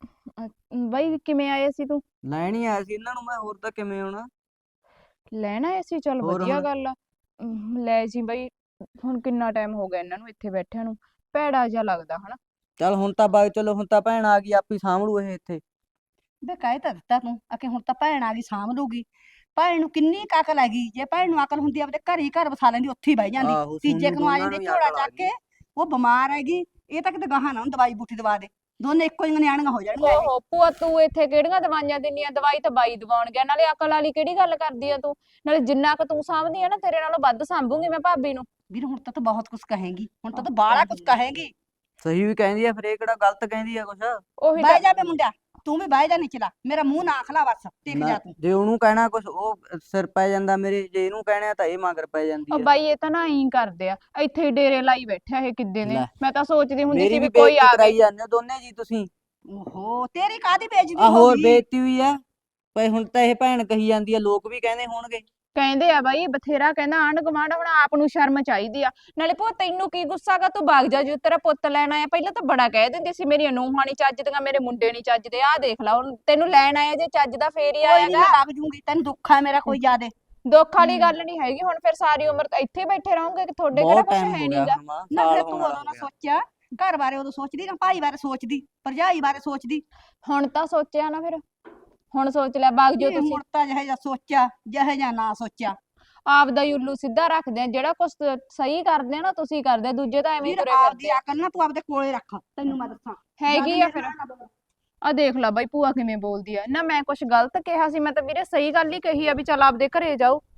[SPEAKER 6] ਬਈ ਕਿਵੇਂ ਆਇਆ ਸੀ ਤੂੰ?
[SPEAKER 3] ਲੈਣ ਹੀ ਆਇਆ ਸੀ ਇਹਨਾਂ ਨੂੰ ਮੈਂ, ਹੋਰ ਤਾਂ ਕਿਵੇਂ ਆਉਣਾ।
[SPEAKER 6] ਲੈਣ ਆਇਆ ਸੀ? ਚੱਲ
[SPEAKER 3] ਹੋਰ
[SPEAKER 6] ਵਧੀਆ
[SPEAKER 3] ਹੁਣ?
[SPEAKER 6] ਗੱਲ ਆ। ਲੈ ਜੀ ਬਈ, ਹੁਣ ਕਿੰਨਾ ਟਾਈਮ ਹੋ ਗਿਆ ਇਹਨਾਂ ਨੂੰ ਇੱਥੇ ਬੈਠਿਆਂ ਨੂੰ, ਭੈੜਾ ਜਿਹਾ ਲੱਗਦਾ ਹਨਾ।
[SPEAKER 3] ਚੱਲ ਹੁਣ ਤਾਂ ਬਾਈ, ਚਲੋ ਹੁਣ ਤਾਂ ਭੈਣ ਆ ਗਈ, ਆਪੀ ਸਾਂਭ ਲੂ ਇਹ ਇੱਥੇ।
[SPEAKER 5] ਬੇ ਕਹਿ ਤਾਂ ਦਿੱਤਾ ਤੂੰ ਆਕੇ ਹੁਣ ਤਾਂ ਭੈਣ ਆ ਗਈ ਸਾਂਭ ਲੂਗੀ। ਭੈਣ ਨੂੰ ਕਿੰਨੀ ਕੁ ਅਕਲ ਹੈਗੀ, ਜੇ ਭੈਣ ਨੂੰ ਅਕਲ ਹੁੰਦੀ ਆਪਦੇ ਘਰ ਹੀ ਘਰ ਵਸਾ ਲੈਂਦੀ, ਉੱਥੇ ਹੀ ਬਹਿ ਜਾਂਦੀ।
[SPEAKER 3] ਆਹੋ,
[SPEAKER 5] ਤੀਜੇ
[SPEAKER 3] ਸੋਨੂੰ
[SPEAKER 5] ਨੂੰ ਆ
[SPEAKER 3] ਦੋਨਾਂ
[SPEAKER 5] ਜਾਂਦੀ
[SPEAKER 3] ਨੂੰ ਹੀ
[SPEAKER 5] ਝੋਲਾ
[SPEAKER 3] ਅਕਲ ਆ
[SPEAKER 5] ਚੱਕ ਕੇ, ਉਹ ਬਿਮਾਰ ਹੈਗੀ, ਇਹ ਤਾਂ ਕਿਤੇ ਗਾਹਾਂ ਨਾ ਉਹਨੂੰ ਦਵਾਈ ਬੂਟੀ ਦਵਾ ਦੇ, ਦੋਨੇ ਇੱਕੋ ਹੀ ਨਿਆਣੀਆਂ ਹੋ ਜਾਣਗੀਆਂ ਇਹ।
[SPEAKER 6] ਓਹੋ ਭੂਆ ਤੂੰ ਇੱਥੇ ਕਿਹੜੀਆਂ ਦਵਾਈਆਂ ਦਿੰਨੀਆਂ? ਦਵਾਈ ਤਾਂ ਬਾਈ ਦਵਾਉਣ ਗਿਆ, ਨਾਲੇ ਅਕਲ ਵਾਲੀ ਕਿਹੜੀ ਗੱਲ ਕਰਦੀ ਆ ਤੂੰ? ਨਾਲੇ ਜਿੰਨਾ ਕੁ ਤੂੰ ਸਾਂਭਦੀ ਆ ਨਾ, ਤੇਰੇ ਨਾਲੋਂ ਵੱਧ ਸਾਂਭੂਗੀ ਮੈਂ ਭਾਬੀ ਨੂੰ।
[SPEAKER 5] ਵੀਰ ਹੁਣ ਤਾਂ ਤੂੰ ਬਹੁਤ ਕੁਝ ਕਹੇਂਗੀ, ਹੁਣ ਤਾਂ ਤੂੰ ਬਾਹਲਾ ਕੁਝ ਕਹੇਂਗੀ।
[SPEAKER 3] ਸਹੀ ਵੀ ਕਹਿੰਦੀ ਆ, ਫਿਰ ਇਹ ਕਿਹੜਾ ਗਲਤ ਕਹਿੰਦੀ ਆ ਕੁਛ।
[SPEAKER 6] ਉਹੀ
[SPEAKER 5] ਬਹਿ
[SPEAKER 6] ਤਾਂ
[SPEAKER 5] ਜਾ ਬੇ ਮੁੰਡਿਆ, ਤੂੰ ਵੀ ਬਹਿ ਜਾ ਨਿਚਲਾ, ਮੇਰਾ ਮੂੰਹ ਨਾ ਖਲਾ ਬਸ, ਟਿਕ ਜਾ ਤੂੰ।
[SPEAKER 3] ਜੇ ਉਹਨੂੰ ਕਹਿਣਾ ਕੁਛ ਉਹ ਸਿਰ ਪੈ ਜਾਂਦਾ ਮੇਰੇ, ਜੇ ਇਹਨੂੰ ਕਹਿਣਾ ਤਾਂ ਇਹ ਮਗਰ ਪੈ ਜਾਂਦੀ
[SPEAKER 6] ਉਹ
[SPEAKER 3] ਆ।
[SPEAKER 6] ਬਾਈ ਇਹ ਤਾਂ ਨਾ ਐਂ ਕਰਦੇ ਆ, ਇੱਥੇ ਹੀ ਡੇਰੇ ਲਾਈ ਬੈਠਿਆ ਇਹ ਕਿੱਦੇ ਨੇ।
[SPEAKER 3] ਲੈ।
[SPEAKER 6] ਮੈਂ ਤਾਂ ਸੋਚਦੀ ਹੁੰਦੀ
[SPEAKER 3] ਮੇਰੀ
[SPEAKER 6] ਸੀ
[SPEAKER 3] ਵੀ
[SPEAKER 6] ਵੀ ਕੋਈ
[SPEAKER 3] ਬੇਇੱਜ਼ਤੀ
[SPEAKER 6] ਆ
[SPEAKER 3] ਕਰਾਈ
[SPEAKER 6] ਗਈ।
[SPEAKER 3] ਜਾਂਦੇ ਹੋ ਦੋਨੇ ਜੀ ਤੁਸੀਂ।
[SPEAKER 5] ਓਹੋ ਤੇਰੀ ਕਾਹਦੀ ਬੇਇੱਜ਼ਤੀ
[SPEAKER 3] ਆ
[SPEAKER 5] ਹੋ
[SPEAKER 3] ਹੋਰ
[SPEAKER 5] ਗਈ?
[SPEAKER 3] ਬੇਇੱਜ਼ਤੀ ਹੋਈ ਆ ਪਈ, ਹੁਣ ਤਾਂ ਇਹ ਭੈਣ ਕਹੀ ਜਾਂਦੀ ਆ, ਲੋਕ ਵੀ ਕਹਿੰਦੇ ਹੋਣਗੇ।
[SPEAKER 6] ਕਹਿੰਦੇ ਆ ਬਾਈ ਬਥੇਰਾ, ਕਹਿੰਦਾ ਆਂਢ ਗੁਆਂਢ, ਹੁਣ ਆਪ ਨੂੰ ਸ਼ਰਮ ਚਾਹੀਦੀ ਆ। ਨਾਲੇ ਭੂਆ ਤੈਨੂੰ ਕੀ ਗੁੱਸਾ ਗਾ? ਤੂੰ ਭਾਗ ਜਾ, ਜੋ ਤੇਰਾ ਪੁੱਤ ਲੈਣ ਆਇਆ। ਪਹਿਲਾਂ ਤਾਂ ਬੜਾ ਕਹਿ ਦਿੰਦੇ ਸੀ ਮੇਰੀਆਂ ਨੂੰਹਾਂ ਨੀ ਚੱਜਦੀਆਂ, ਮੇਰੇ ਮੁੰਡੇ ਨੀ ਚੱਜਦੇ। ਆਹ ਦੇਖ ਲਾ ਹੁਣ ਤੈਨੂੰ ਲੈਣ ਆਇਆ, ਜੇ ਚੱਜਦਾ ਫੇਰ ਹੀ
[SPEAKER 5] ਕੋਈ ਨਹੀਂ
[SPEAKER 6] ਆਏਗਾ।
[SPEAKER 5] ਮੈਂ ਵਗ ਜੂੰਗੀ, ਤੈਨੂੰ ਦੁੱਖ ਹੈ ਮੇਰਾ ਕੋਈ ਜ਼ਿਆਦੇ?
[SPEAKER 6] ਦੁੱਖ ਵਾਲੀ ਗੱਲ ਨਹੀਂ ਹੈਗੀ, ਹੁਣ ਫਿਰ ਸਾਰੀ ਉਮਰ ਤਾਂ ਇੱਥੇ ਹੀ ਬੈਠੇ ਰਹੋਗੇ, ਕਿ ਤੁਹਾਡੇ ਕਿਹੜਾ
[SPEAKER 3] ਬਹੁਤ
[SPEAKER 6] ਕੁਛ
[SPEAKER 3] ਟਾਈਮ
[SPEAKER 6] ਹੈ
[SPEAKER 3] ਹੋ ਗਿਆ
[SPEAKER 6] ਨਹੀਂਗਾ।
[SPEAKER 3] ਹੁਣ ਮਾਂ,
[SPEAKER 5] ਨਾ
[SPEAKER 3] ਸਾਲ
[SPEAKER 5] ਫਿਰ
[SPEAKER 3] ਹੋਣ
[SPEAKER 5] ਤੂੰ
[SPEAKER 3] ਵਾਲਾ
[SPEAKER 5] ਉਦੋਂ ਨਾ
[SPEAKER 3] ਹੋ ਗਿਆ।
[SPEAKER 5] ਸੋਚਿਆ, ਘਰ ਬਾਰੇ ਉਦੋਂ ਸੋਚਦੀ ਨਾ ਭਾਈ ਬਾਰੇ ਸੋਚਦੀ, ਭਰਜਾਈ ਬਾਰੇ ਸੋਚਦੀ।
[SPEAKER 6] ਹੁਣ ਤਾਂ ਸੋਚਿਆ ਨਾ, ਫਿਰ ਹੁਣ ਸੋਚ ਲੈ, ਭਾਗ ਜੋ
[SPEAKER 5] ਨਹੀਂ,
[SPEAKER 6] ਤੁਸੀਂ।
[SPEAKER 5] ਹੁਣ ਤਾਂ ਜਿਹੇ ਜਿਹਾ ਸੋਚਿਆ ਜਿਹੇ ਜਿਹਾ ਨਾ ਸੋਚਿਆ।
[SPEAKER 6] ਆਪਦਾ ਹੀ ਉੱਲੂ ਸਿੱਧਾ ਰੱਖਦੇ ਆ, ਜਿਹੜਾ ਕੁਛ ਸਹੀ ਕਰਦੇ ਆ ਨਾ ਤੁਸੀਂ ਕਰਦੇ ਆ, ਦੂਜੇ ਤਾਂ ਐਵੇਂ ਹੀ
[SPEAKER 5] ਵੀਰ
[SPEAKER 6] ਤੁਰੇ
[SPEAKER 5] ਆਪਦੀ
[SPEAKER 6] ਫਿਰਦੇ ਆ।
[SPEAKER 5] ਅਕਲ ਨਾ ਤੂੰ ਆਪਦੇ ਕੋਲੇ ਰੱਖ, ਤੈਨੂੰ ਮੈਂ ਦੱਸਾਂ।
[SPEAKER 6] ਹੈਗੀ
[SPEAKER 5] ਜਦ
[SPEAKER 6] ਆ
[SPEAKER 5] ਮੇਰੇ
[SPEAKER 6] ਫਿਰ।
[SPEAKER 5] ਨਾਲ ਨਾ ਬੋਲ।
[SPEAKER 6] ਆ ਦੇਖ ਲਾ ਬਾਈ ਭੂਆ ਕਿਵੇਂ ਬੋਲਦੀ ਆ ਨਾ, ਮੈਂ ਕੁਛ ਗਲਤ ਕਿਹਾ ਸੀ? ਮੈਂ ਤਾਂ ਵੀਰੇ ਸਹੀ ਗੱਲ ਹੀ ਕਹੀ ਆ ਵੀ ਚੱਲ ਆਪਦੇ ਘਰੇ ਜਾਓ।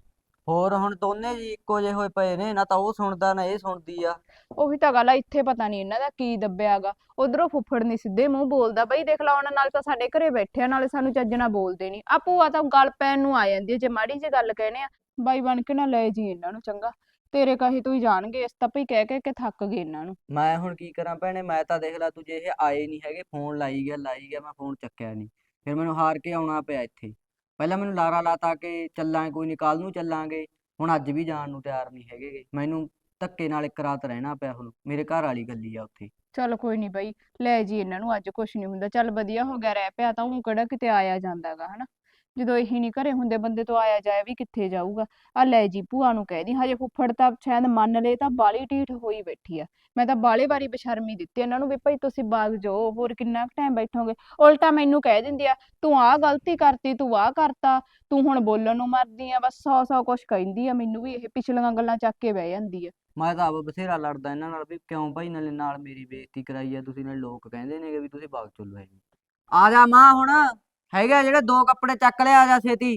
[SPEAKER 1] ਹੋਰ ਹੁਣ ਦੋਨੇ ਜੀ ਇੱਕੋ ਜਿਹੇ ਹੋਏ ਪਏ ਨੇ, ਨਾ ਤਾਂ ਉਹ ਸੁਣਦਾ ਨਾ ਇਹ ਸੁਣਦੀ ਆ।
[SPEAKER 6] ਉਹੀ ਤਾਂ ਗੱਲ ਆ, ਇੱਥੇ ਪਤਾ ਨਹੀਂ ਇਹਨਾਂ ਦਾ ਕੀ ਦੱਬਿਆਗਾ। ਉਧਰੋਂ ਫੁੱਫੜ ਨਹੀਂ ਸਿੱਧੇ ਮੂੰਹ ਬੋਲਦਾ ਬਈ, ਦੇਖ ਲਾ ਉਹਨਾਂ ਨਾਲ ਤਾਂ ਸਾਡੇ ਘਰੇ ਬੈਠੇ ਆ, ਨਾਲੇ ਸਾਨੂੰ ਚੱਜ ਨਾਲ ਬੋਲਦੇ ਨਹੀਂ। ਆ ਭੂਆ ਤਾਂ ਗੱਲ ਪੈਣ ਨੂੰ ਆ ਜਾਂਦੀ ਹੈ ਜੇ ਮਾੜੀ ਜਿਹੀ ਗੱਲ ਕਹਿੰਦੇ ਆ। ਬਾਈ ਬਣ ਕੇ ਨਾ ਲੈ ਜੀ ਇਹਨਾਂ ਨੂੰ ਚੰਗਾ, ਤੇਰੇ ਕਹੇ ਤੋਂ ਹੀ ਜਾਣਗੇ, ਇਸ ਤਾਂ ਭਈ ਕਹਿ ਕੇ ਥੱਕ ਗਏ ਇਹਨਾਂ ਨੂੰ।
[SPEAKER 1] ਮੈਂ ਹੁਣ ਕੀ ਕਰਾਂ ਭੈਣੇ, ਮੈਂ ਤਾਂ ਦੇਖ ਲਾ ਤੂੰ, ਜੇ ਇਹ ਆਏ ਨਹੀਂ ਹੈਗੇ, ਫੋਨ ਲਾਈ ਗਿਆ, ਮੈਂ ਫੋਨ ਚੱਕਿਆ ਨਹੀਂ, ਫਿਰ ਮੈਨੂੰ ਹਾਰ ਕੇ ਆਉਣਾ ਪਿਆ ਇੱਥੇ। ਪਹਿਲਾਂ ਮੈਨੂੰ ਲਾਰਾ ਲਾਤਾ ਕਿ ਚੱਲਾਂਗੇ, ਕੋਈ ਨੀ ਕੱਲ ਨੂੰ ਚੱਲਾਂਗੇ, ਹੁਣ ਅੱਜ ਵੀ ਜਾਣ ਨੂੰ ਤਿਆਰ ਨਹੀਂ ਹੈਗੇ। ਮੈਨੂੰ ਧੱਕੇ ਨਾਲ ਇੱਕ ਰਾਤ ਰਹਿਣਾ ਪਿਆ, ਹੁਣ ਮੇਰੇ ਘਰ ਵਾਲੀ ਗੱਲੀ ਆ ਉੱਥੇ।
[SPEAKER 6] ਚੱਲ ਕੋਈ ਨਹੀਂ ਬਈ, ਲੈ ਜੀ ਇਹਨਾਂ ਨੂੰ, ਅੱਜ ਕੁਛ ਨਹੀਂ ਹੁੰਦਾ। ਚੱਲ ਵਧੀਆ ਹੋ ਗਿਆ ਰਹਿ ਪਿਆ ਤਾਂ, ਉਹ ਕਿਹੜਾ ਕਿਤੇ ਆਇਆ ਜਾਂਦਾਗਾ ਹਨਾ। ਜਦੋਂ ਇਹੀ ਨਹੀਂ ਘਰੇ ਹੁੰਦੇ ਬੰਦੇ ਤੋਂ ਆਇਆ ਜਾਇਆ ਵੀ ਕਿੱਥੇ ਜਾਊਗਾ। ਆ ਲੈ ਜੀ ਭੂਆ ਨੂੰ ਕਹਿ ਦੀ, ਹਜੇ ਫੁੱਫੜ ਤਾਂ ਸ਼ਾਇਦ ਮੰਨ ਲਏ, ਤਾਂ ਬਾਲੀ ਢੀਠ ਹੋਈ ਬੈਠੀ ਆ। ਮੈਂ ਤਾਂ ਬਾਲੇ ਵਾਰੀ ਬਸ਼ਰਮੀ ਦਿੱਤੀ ਇਹਨਾਂ ਨੂੰ ਵੀ ਭਾਈ ਤੁਸੀਂ ਬਾਗ ਜਾਓ, ਹੋਰ ਕਿੰਨਾ ਟਾਈਮ ਬੈਠੋਗੇ। ਉਲਟਾ ਮੈਨੂੰ ਕਹਿ ਦਿੰਦੀ ਆ, ਤੂੰ ਆਹ ਗਲਤੀ ਕਰਤੀ, ਤੂੰ ਆਹ ਕਰਤਾ, ਤੂੰ ਹੁਣ ਬੋਲਣ ਨੂੰ ਮਰਦੀ ਆ। ਬਸ 100 ਕੁਛ ਕਹਿੰਦੀ ਆ ਮੈਨੂੰ ਵੀ, ਇਹ ਪਿਛਲੀਆਂ ਗੱਲਾਂ ਚੱਕ ਕੇ ਬਹਿ ਜਾਂਦੀ ਆ।
[SPEAKER 1] ਮੈਂ ਤਾਂ ਆਪ ਬਥੇਰਾ ਲੜਦਾ ਇਹਨਾਂ ਨਾਲ ਵੀ ਕਿਉਂ ਭਾਈ ਨਾਲ ਮੇਰੀ ਬੇਇੱਜ਼ਤੀ ਕਰਾਈ ਆ ਤੁਸੀਂ, ਨਾਲ ਲੋਕ ਕਹਿੰਦੇ ਨੇਗੇ ਵੀ ਤੁਸੀਂ ਬਾਗ ਚੁੱਲੋ ਹੈਗੇ। ਆ ਜਾ ਮਾਂ, ਹੁਣ ਹੈਗਾ ਜਿਹੜੇ 2 ਕੱਪੜੇ ਚੱਕ ਲਿਆ, ਆ ਜਾ ਛੇਤੀ।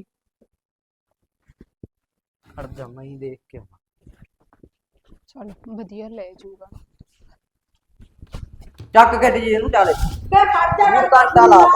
[SPEAKER 1] ਖੜ ਜਾ, ਮੈਂ ਹੀ ਦੇਖ ਕੇ ਆਵਾਂ।
[SPEAKER 6] ਚੱਲ ਵਧੀਆ ਲੈ ਜਾਊਗਾ।
[SPEAKER 1] ਚੱਕ ਗੱਡੀ ਜੀ ਇਹਨੂੰ, ਚੱਲ
[SPEAKER 5] ਬੇ ਖੜ ਜਾ
[SPEAKER 1] ਇਹਨੂੰ ਘੰਟਾ ਲਾ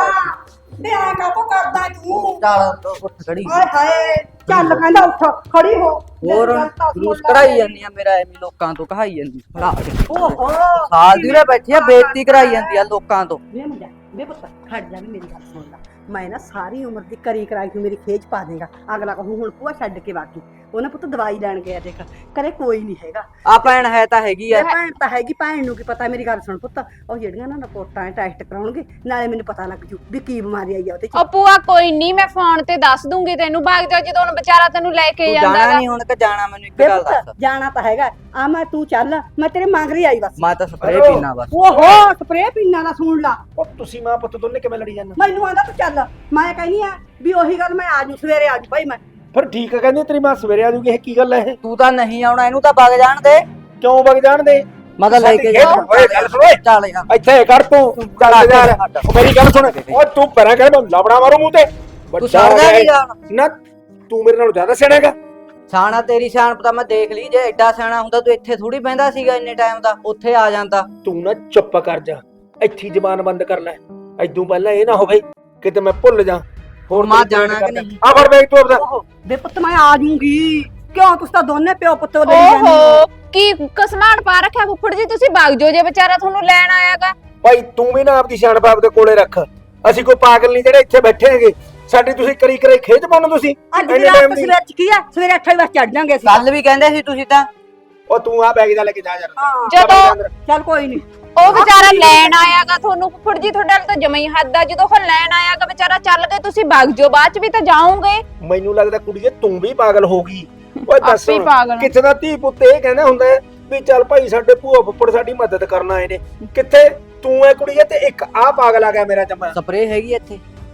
[SPEAKER 5] ਬੇ ਆ ਕਾਹਤੋਂ ਕਰਦਾ ਤੂੰ?
[SPEAKER 1] ਚੱਲ ਉੱਠ ਖੜੀ।
[SPEAKER 5] ਹਾਏ ਹਾਏ, ਚੱਲ ਕਹਿੰਦਾ ਉੱਠ ਖੜੀ ਹੋ।
[SPEAKER 1] ਹੋਰ ਜਲੂਸ ਕਢਾਈ ਜਾਂਦੀ ਆ ਮੇਰਾ, ਐਵੇਂ ਲੋਕਾਂ ਤੋਂ ਕਹਾਈ ਜਾਂਦੀ ਫੜਾ ਕੇ।
[SPEAKER 5] ਓਹੋ
[SPEAKER 1] ਸਾਲ ਦੀ ਉਰੇ ਬੈਠੀ ਆ, ਬੇਇੱਜ਼ਤੀ ਕਰਾਈ ਜਾਂਦੀ ਆ ਲੋਕਾਂ ਤੋਂ।
[SPEAKER 5] ਵੇ ਮੁੰਡਾ, ਵੇ ਪੁੱਤ ਖੜ ਜਾ, ਵੀ ਮੇਰੀ ਗੱਲ ਸੁਣ ਲੈ। ਮੈਂ ਨਾ ਸਾਰੀ ਉਮਰ ਦੀ ਕਰੀ ਕਰਾਈ ਤੂੰ ਮੇਰੀ ਖੇਚ ਪਾ ਦੇਗਾ। ਅਗਲਾ ਕਹੂੰ ਹੁਣ ਭੂਆ ਛੱਡ ਕੇ ਬਾਕੀ ਉਹਨੇ ਪੁੱਤ ਦਵਾਈ ਲੈਣ ਗਿਆ, ਦੇਖ ਕਰੇ ਕੋਈ ਨਹੀਂ ਹੈਗਾ।
[SPEAKER 1] ਆ ਭੈਣ ਹੈ ਤਾਂ ਹੈਗੀ ਆ।
[SPEAKER 5] ਭੈਣ ਤਾਂ ਹੈਗੀ, ਭੈਣ ਨੂੰ ਕੀ ਪਤਾ। ਮੇਰੀ ਗੱਲ ਸੁਣ ਪੁੱਤ, ਉਹ ਜਿਹੜੀਆਂ ਨਾ ਰਿਪੋਰਟਾਂ ਟੈਸਟ ਕਰਾਉਣਗੇ, ਨਾਲੇ ਮੈਨੂੰ ਪਤਾ ਲੱਗ ਜੂ ਵੀ ਕੀ ਬਿਮਾਰੀ ਆਈ ਆ ਉਹਦੇ ਚ।
[SPEAKER 6] ਉਹ ਭੂਆ ਕੋਈ ਨਹੀਂ, ਮੈਂ ਫੋਨ ਤੇ ਦੱਸ ਦੂੰਗੀ ਤੈਨੂੰ। ਬਾਗ ਜਾ ਜਦੋਂ ਹੁਣ ਵਿਚਾਰਾ ਤੈਨੂੰ ਲੈ ਕੇ
[SPEAKER 1] ਤੂੰ
[SPEAKER 6] ਜਾਂਦਾ
[SPEAKER 1] ਜਾਣਾ
[SPEAKER 6] ਗਾ।
[SPEAKER 1] ਨਹੀਂ ਹੁਣ ਕਿ ਜਾਣਾ, ਮੈਨੂੰ ਇੱਕ
[SPEAKER 5] ਵੇ
[SPEAKER 1] ਗੱਲ
[SPEAKER 5] ਪੁੱਤ
[SPEAKER 1] ਦੱਸ।
[SPEAKER 5] ਜਾਣਾ ਤਾਂ ਹੈਗਾ ਆ, ਮੈਂ ਤੂੰ ਚੱਲ, ਮੈਂ ਤੇਰੇ ਮੰਗ ਰਹੀ ਆਈ ਬਸ।
[SPEAKER 1] ਮੈਂ ਤਾਂ ਸਪਰੇਅ
[SPEAKER 2] ਹੈਲੋ।
[SPEAKER 1] ਪੀਣਾ ਬਸ।
[SPEAKER 5] ਓਹੋ ਸਪਰੇਅ ਪੀਣਾ ਦਾ ਸੁਣ ਲਾ।
[SPEAKER 2] ਉਹ ਤੁਸੀਂ ਮਾਂ ਪੁੱਤ ਦੋਨੇ ਕਿਵੇਂ ਲੜੀ ਜਾਂਦੇ?
[SPEAKER 5] ਮੈਨੂੰ ਆਂਦਾ ਤੂੰ ਚੱਲ, ਮੈਂ ਕਹਿੰਦੀ ਆ ਵੀ ਉਹੀ ਗੱਲ, ਮੈਂ ਆ ਜੂ ਸਵੇਰੇ ਆ ਜੂ ਭਾਈ। ਮੈਂ
[SPEAKER 2] ਫਿਰ ਠੀਕ ਆ, ਕਹਿੰਦੀ ਤੇਰੀ ਮਾਂ ਸਵੇਰੇ ਆ ਜੂਗੀ। ਇਹ ਕੀ ਗੱਲ ਹੈ ਇਹ?
[SPEAKER 1] ਤੂੰ ਤਾਂ ਨਹੀਂ ਆਉਣਾ, ਇਹਨੂੰ ਤਾਂ ਵਗ ਜਾਣ ਦੇ।
[SPEAKER 2] ਕਿਉਂ ਵਗ ਜਾਣ ਦੇ?
[SPEAKER 1] ਮੈਂ ਤਾਂ ਲੈ ਕੇ ਜਾ।
[SPEAKER 2] ਓਏ ਗੱਲ ਸੁਣ ਓਏ,
[SPEAKER 1] ਚੱਲ ਯਾਰ।
[SPEAKER 2] ਇੱਥੇ ਕਰ ਤੂੰ, ਚੱਲ ਯਾਰ। ਉਹ ਮੇਰੀ ਗੱਲ ਸੁਣ, ਓ ਤੂੰ ਪਰਾਂ ਕਰ, ਮੈਂ ਲਬੜਾ ਮਾਰੂ ਮੂੰਹ ਤੇ।
[SPEAKER 1] ਤੂੰ ਛੱਡਦਾ ਨਹੀਂ ਜਾਣ।
[SPEAKER 2] ਨਾ ਤੂੰ ਮੇਰੇ ਨਾਲੋਂ ਜ਼ਿਆਦਾ ਸਿਆਣਾ ਹੈਗਾ।
[SPEAKER 1] ਸਿਆਣਾ ਤੇਰੀ ਸਿਆਣਪ ਤਾਂ ਮੈਂ ਦੇਖ ਲਈ, ਜੇ ਐਡਾ ਸਿਆਣਾ ਹੁੰਦਾ ਤੂੰ ਇੱਥੇ ਥੋੜੀ ਬਹਿੰਦਾ ਸੀਗਾ ਇੰਨੇ ਟਾਈਮ ਦਾ, ਉੱਥੇ ਆ ਜਾਂਦਾ।
[SPEAKER 2] ਤੂੰ ਨਾ ਚੁੱਪ ਕਰ ਜਾ, ਇੱਥੇ ਜ਼ਬਾਨ ਬੰਦ ਕਰ ਲੈ। ਐਦੋਂ ਪਹਿਲਾਂ ਇਹ ਨਾ ਹੋਵੇ ਕਿਤੇ ਮੈਂ ਭੁੱਲ ਜਾ। ਹੋਰ
[SPEAKER 1] ਮਾਂ
[SPEAKER 2] ਤੇਰੀ
[SPEAKER 1] ਜਾਣਾ ਕਿ ਨਹੀਂ?
[SPEAKER 2] ਆ ਫੜ ਬੈਗ ਤੂੰ ਆਪਦਾ।
[SPEAKER 5] ਓਹੋ ਵੇ ਪੁੱਤ ਮੈਂ ਆ ਜੂਗੀ। ਕਿਉਂ ਤੁਸੀਂ ਤਾਂ ਦੋਨੇ ਪਿਓ ਪੁੱਤ ਉਹਦੇ ਲਈ ਜਾਂਦੇ ਹੋ।
[SPEAKER 6] ਓਹੋ ਕੀ ਕਸਮਾਨ ਪਾ ਰੱਖਿਆ ਫੁੱਫੜ ਜੀ, ਤੁਸੀਂ ਬਾਗ ਜਾਓ ਜੇ ਵਿਚਾਰਾ ਤੁਹਾਨੂੰ ਲੈਣ ਆਇਆਗਾ।
[SPEAKER 2] ਭਾਈ ਤੂੰ ਵੀ ਨਾ ਆਪਦੀ ਸਿਆਣਪ ਆਪਦੇ ਕੋਲੇ ਰੱਖ। ਅਸੀਂ ਕੋਈ ਪਾਗਲ ਨਹੀਂ ਜਿਹੜੇ ਇੱਥੇ ਬੈਠੇ ਹੈਗੇ। ਸਾਡੀ ਤੁਸੀਂ ਕਰੀ ਖੇਚ ਪਾਉਣਾ ਤੁਸੀਂ।
[SPEAKER 5] ਅੱਜ ਦੀ ਰਾਤ ਸਵੇਰ ਚ ਕੀ ਆ, ਸਵੇਰੇ 8 ਵਜੇ ਚੜ ਜਾਾਂਗੇ ਅਸੀਂ।
[SPEAKER 1] ਕੱਲ ਵੀ ਕਹਿੰਦੇ ਸੀ ਤੁਸੀਂ ਤਾਂ।
[SPEAKER 2] ਉਹ ਤੂੰ ਆ ਬੈਗ ਦਾ ਲੈ ਕੇ ਜਾ ਯਾਰ।
[SPEAKER 5] ਹਾਂ
[SPEAKER 6] ਜਦੋਂ
[SPEAKER 5] ਚੱਲ ਕੋਈ ਨਹੀਂ।
[SPEAKER 6] ਉਹ ਵਿਚਾਰਾ ਲੈਣ ਆਇਆਗਾ ਤੁਹਾਨੂੰ, ਫੁੱਫੜ ਜੀ ਤੁਹਾਡੇ ਨਾਲ ਤਾਂ ਜਮਾ ਹੀ ਹੱਦ ਆ। ਜਦੋਂ ਉਹ ਲੈਣ ਆਇਆਗਾ ਵਿਚਾਰਾ, ਚੱਲ ਗਏ ਤੁਸੀਂ ਬਾਗ ਜਾਓ, ਬਾਅਦ ਚ ਵੀ ਤਾਂ ਜਾਓਗੇ।
[SPEAKER 2] ਮੈਨੂੰ ਲੱਗਦਾ ਕੁੜੀਏ ਤੂੰ ਵੀ ਪਾਗਲ ਹੋ ਗਈ। ਓਏ ਦੱਸ
[SPEAKER 6] ਆਪੇ ਹੀ ਪਾਗਲ ਆ।
[SPEAKER 2] ਕਿੱਥੇ ਦਾ ਧੀ ਪੁੱਤ ਇਹ ਕਹਿੰਦਾ ਹੁੰਦਾ ਹੈ ਵੀ ਚੱਲ ਭਾਈ ਸਾਡੇ ਭੂਆ ਫੁੱਫੜ ਸਾਡੀ ਮਦਦ ਕਰਨ ਆਏ ਨੇ। ਕਿੱਥੇ ਤੂੰ ਐ ਕੁੜੀਏ ਤੇ ਇੱਕ ਆ ਪਾਗਲ ਆ ਗਿਆ ਮੇਰਾ ਜਮਾ।
[SPEAKER 1] ਸਪਰੇਅ ਹੈਗੀ ਇੱਥੇ,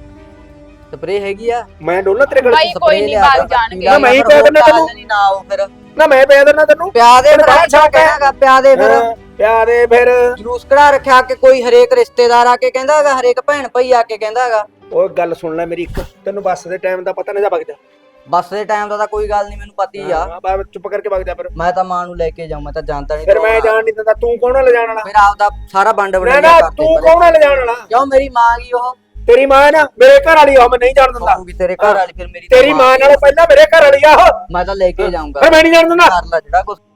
[SPEAKER 1] ਸਪਰੇਅ ਹੈਗੀ ਆ।
[SPEAKER 2] ਮੈਂ ਡੋਲਣਾ ਤੇਰੇ ਕੋਲ।
[SPEAKER 6] ਬਾਈ ਕੋਈ ਨਹੀਂ ਬਾਗ ਜਾਣਗੇ।
[SPEAKER 2] ਨਾ ਮੈਂ ਹੀ ਪਿਆ ਦਿੰਦਾ ਤੈਨੂੰ।
[SPEAKER 1] ਨਾ ਆਓ ਫਿਰ।
[SPEAKER 2] ਨਾ ਮੈਂ ਪਿਆ ਦਿੰਦਾ ਤੈਨੂੰ।
[SPEAKER 1] ਪਿਆ ਦੇ ਫਿਰ,
[SPEAKER 2] ਬਾਹਰ ਛੱਡ ਕੇ।
[SPEAKER 1] ਕਹਿਣਾਗਾ ਪਿਆ ਦੇ ਫਿਰ।
[SPEAKER 2] ਹਾਂ, ਪਿਆ ਦੇ ਫਿਰ।
[SPEAKER 1] ਜਲੂਸ ਕਢਾ ਰੱਖਿਆ ਕਿ ਕੋਈ ਹਰੇਕ ਰਿਸ਼ਤੇਦਾਰ ਆ ਕੇ ਕਹਿੰਦਾ ਹੈਗਾ, ਹਰੇਕ ਭੈਣ ਭਾਈ ਆ ਕੇ ਕਹਿੰਦਾ ਹੈਗਾ।
[SPEAKER 2] ਓਏ ਗੱਲ ਸੁਣ ਲੈ ਮੇਰੀ ਇੱਕ, ਤੈਨੂੰ ਬੱਸ ਦੇ ਟਾਈਮ ਦਾ ਪਤਾ ਨਹੀਂ, ਜਾ ਵਗ ਜਾ।
[SPEAKER 1] ਬੱਸ ਦੇ ਟਾਈਮ ਦਾ ਤਾਂ ਕੋਈ ਗੱਲ ਨਹੀਂ, ਮੈਨੂੰ ਪਤੀ ਆ।
[SPEAKER 2] ਹਾਂ ਬਾ ਚੁੱਪ ਕਰਕੇ ਵਗ ਜਾ ਫਿਰ।
[SPEAKER 1] ਮੈਂ ਤਾਂ ਮਾਂ ਨੂੰ ਲੈ ਕੇ ਜਾਊਂ, ਮੈਂ ਤਾਂ ਜਾਣਦਾ ਨਹੀਂ।
[SPEAKER 2] ਫਿਰ ਮੈਂ ਜਾਣ ਨਹੀਂ ਦਿੰਦਾ। ਤੂੰ ਕੌਣ ਆ ਲਿਜਾਣ ਵਾਲਾ?
[SPEAKER 1] ਫਿਰ ਆਪਦਾ ਸਾਰਾ ਵੰਡ
[SPEAKER 2] ਨਾ
[SPEAKER 1] ਵਡਾਈਆ
[SPEAKER 2] ਨਾ
[SPEAKER 1] ਕਰਦੇ
[SPEAKER 2] ਤੂੰ ਕੌਣ ਆ ਲਿਜਾਣ ਵਾਲਾ?
[SPEAKER 1] ਕਿਉਂ ਮੇਰੀ ਮਾਂ ਗਈ ਉਹ?
[SPEAKER 2] ਤੇਰੀ ਮਾਂ ਹੈ ਨਾ, ਮੇਰੇ ਘਰ ਵਾਲੀ ਆ, ਮੈਂ ਨਹੀਂ ਜਾਣ ਦਿੰਦਾ।
[SPEAKER 1] ਹੋਊਗੀ ਤੇਰੇ ਘਰ ਵਾਲੀ, ਫਿਰ ਮੇਰੀ
[SPEAKER 2] ਤੇਰੀ ਮਾਂ ਨਾਲੋਂ ਪਹਿਲਾਂ ਮੇਰੇ ਘਰ ਵਾਲੀ ਆ ਉਹ।
[SPEAKER 1] ਮੈਂ ਤਾਂ ਲੈ ਕੇ ਜਾਊਂਗਾ।
[SPEAKER 2] ਫਿਰ ਮੈਂ ਨਹੀਂ ਜਾਣ ਦਿੰਦਾ।
[SPEAKER 1] ਕਰ ਲੈ ਜਿਹੜਾ ਕੁਛ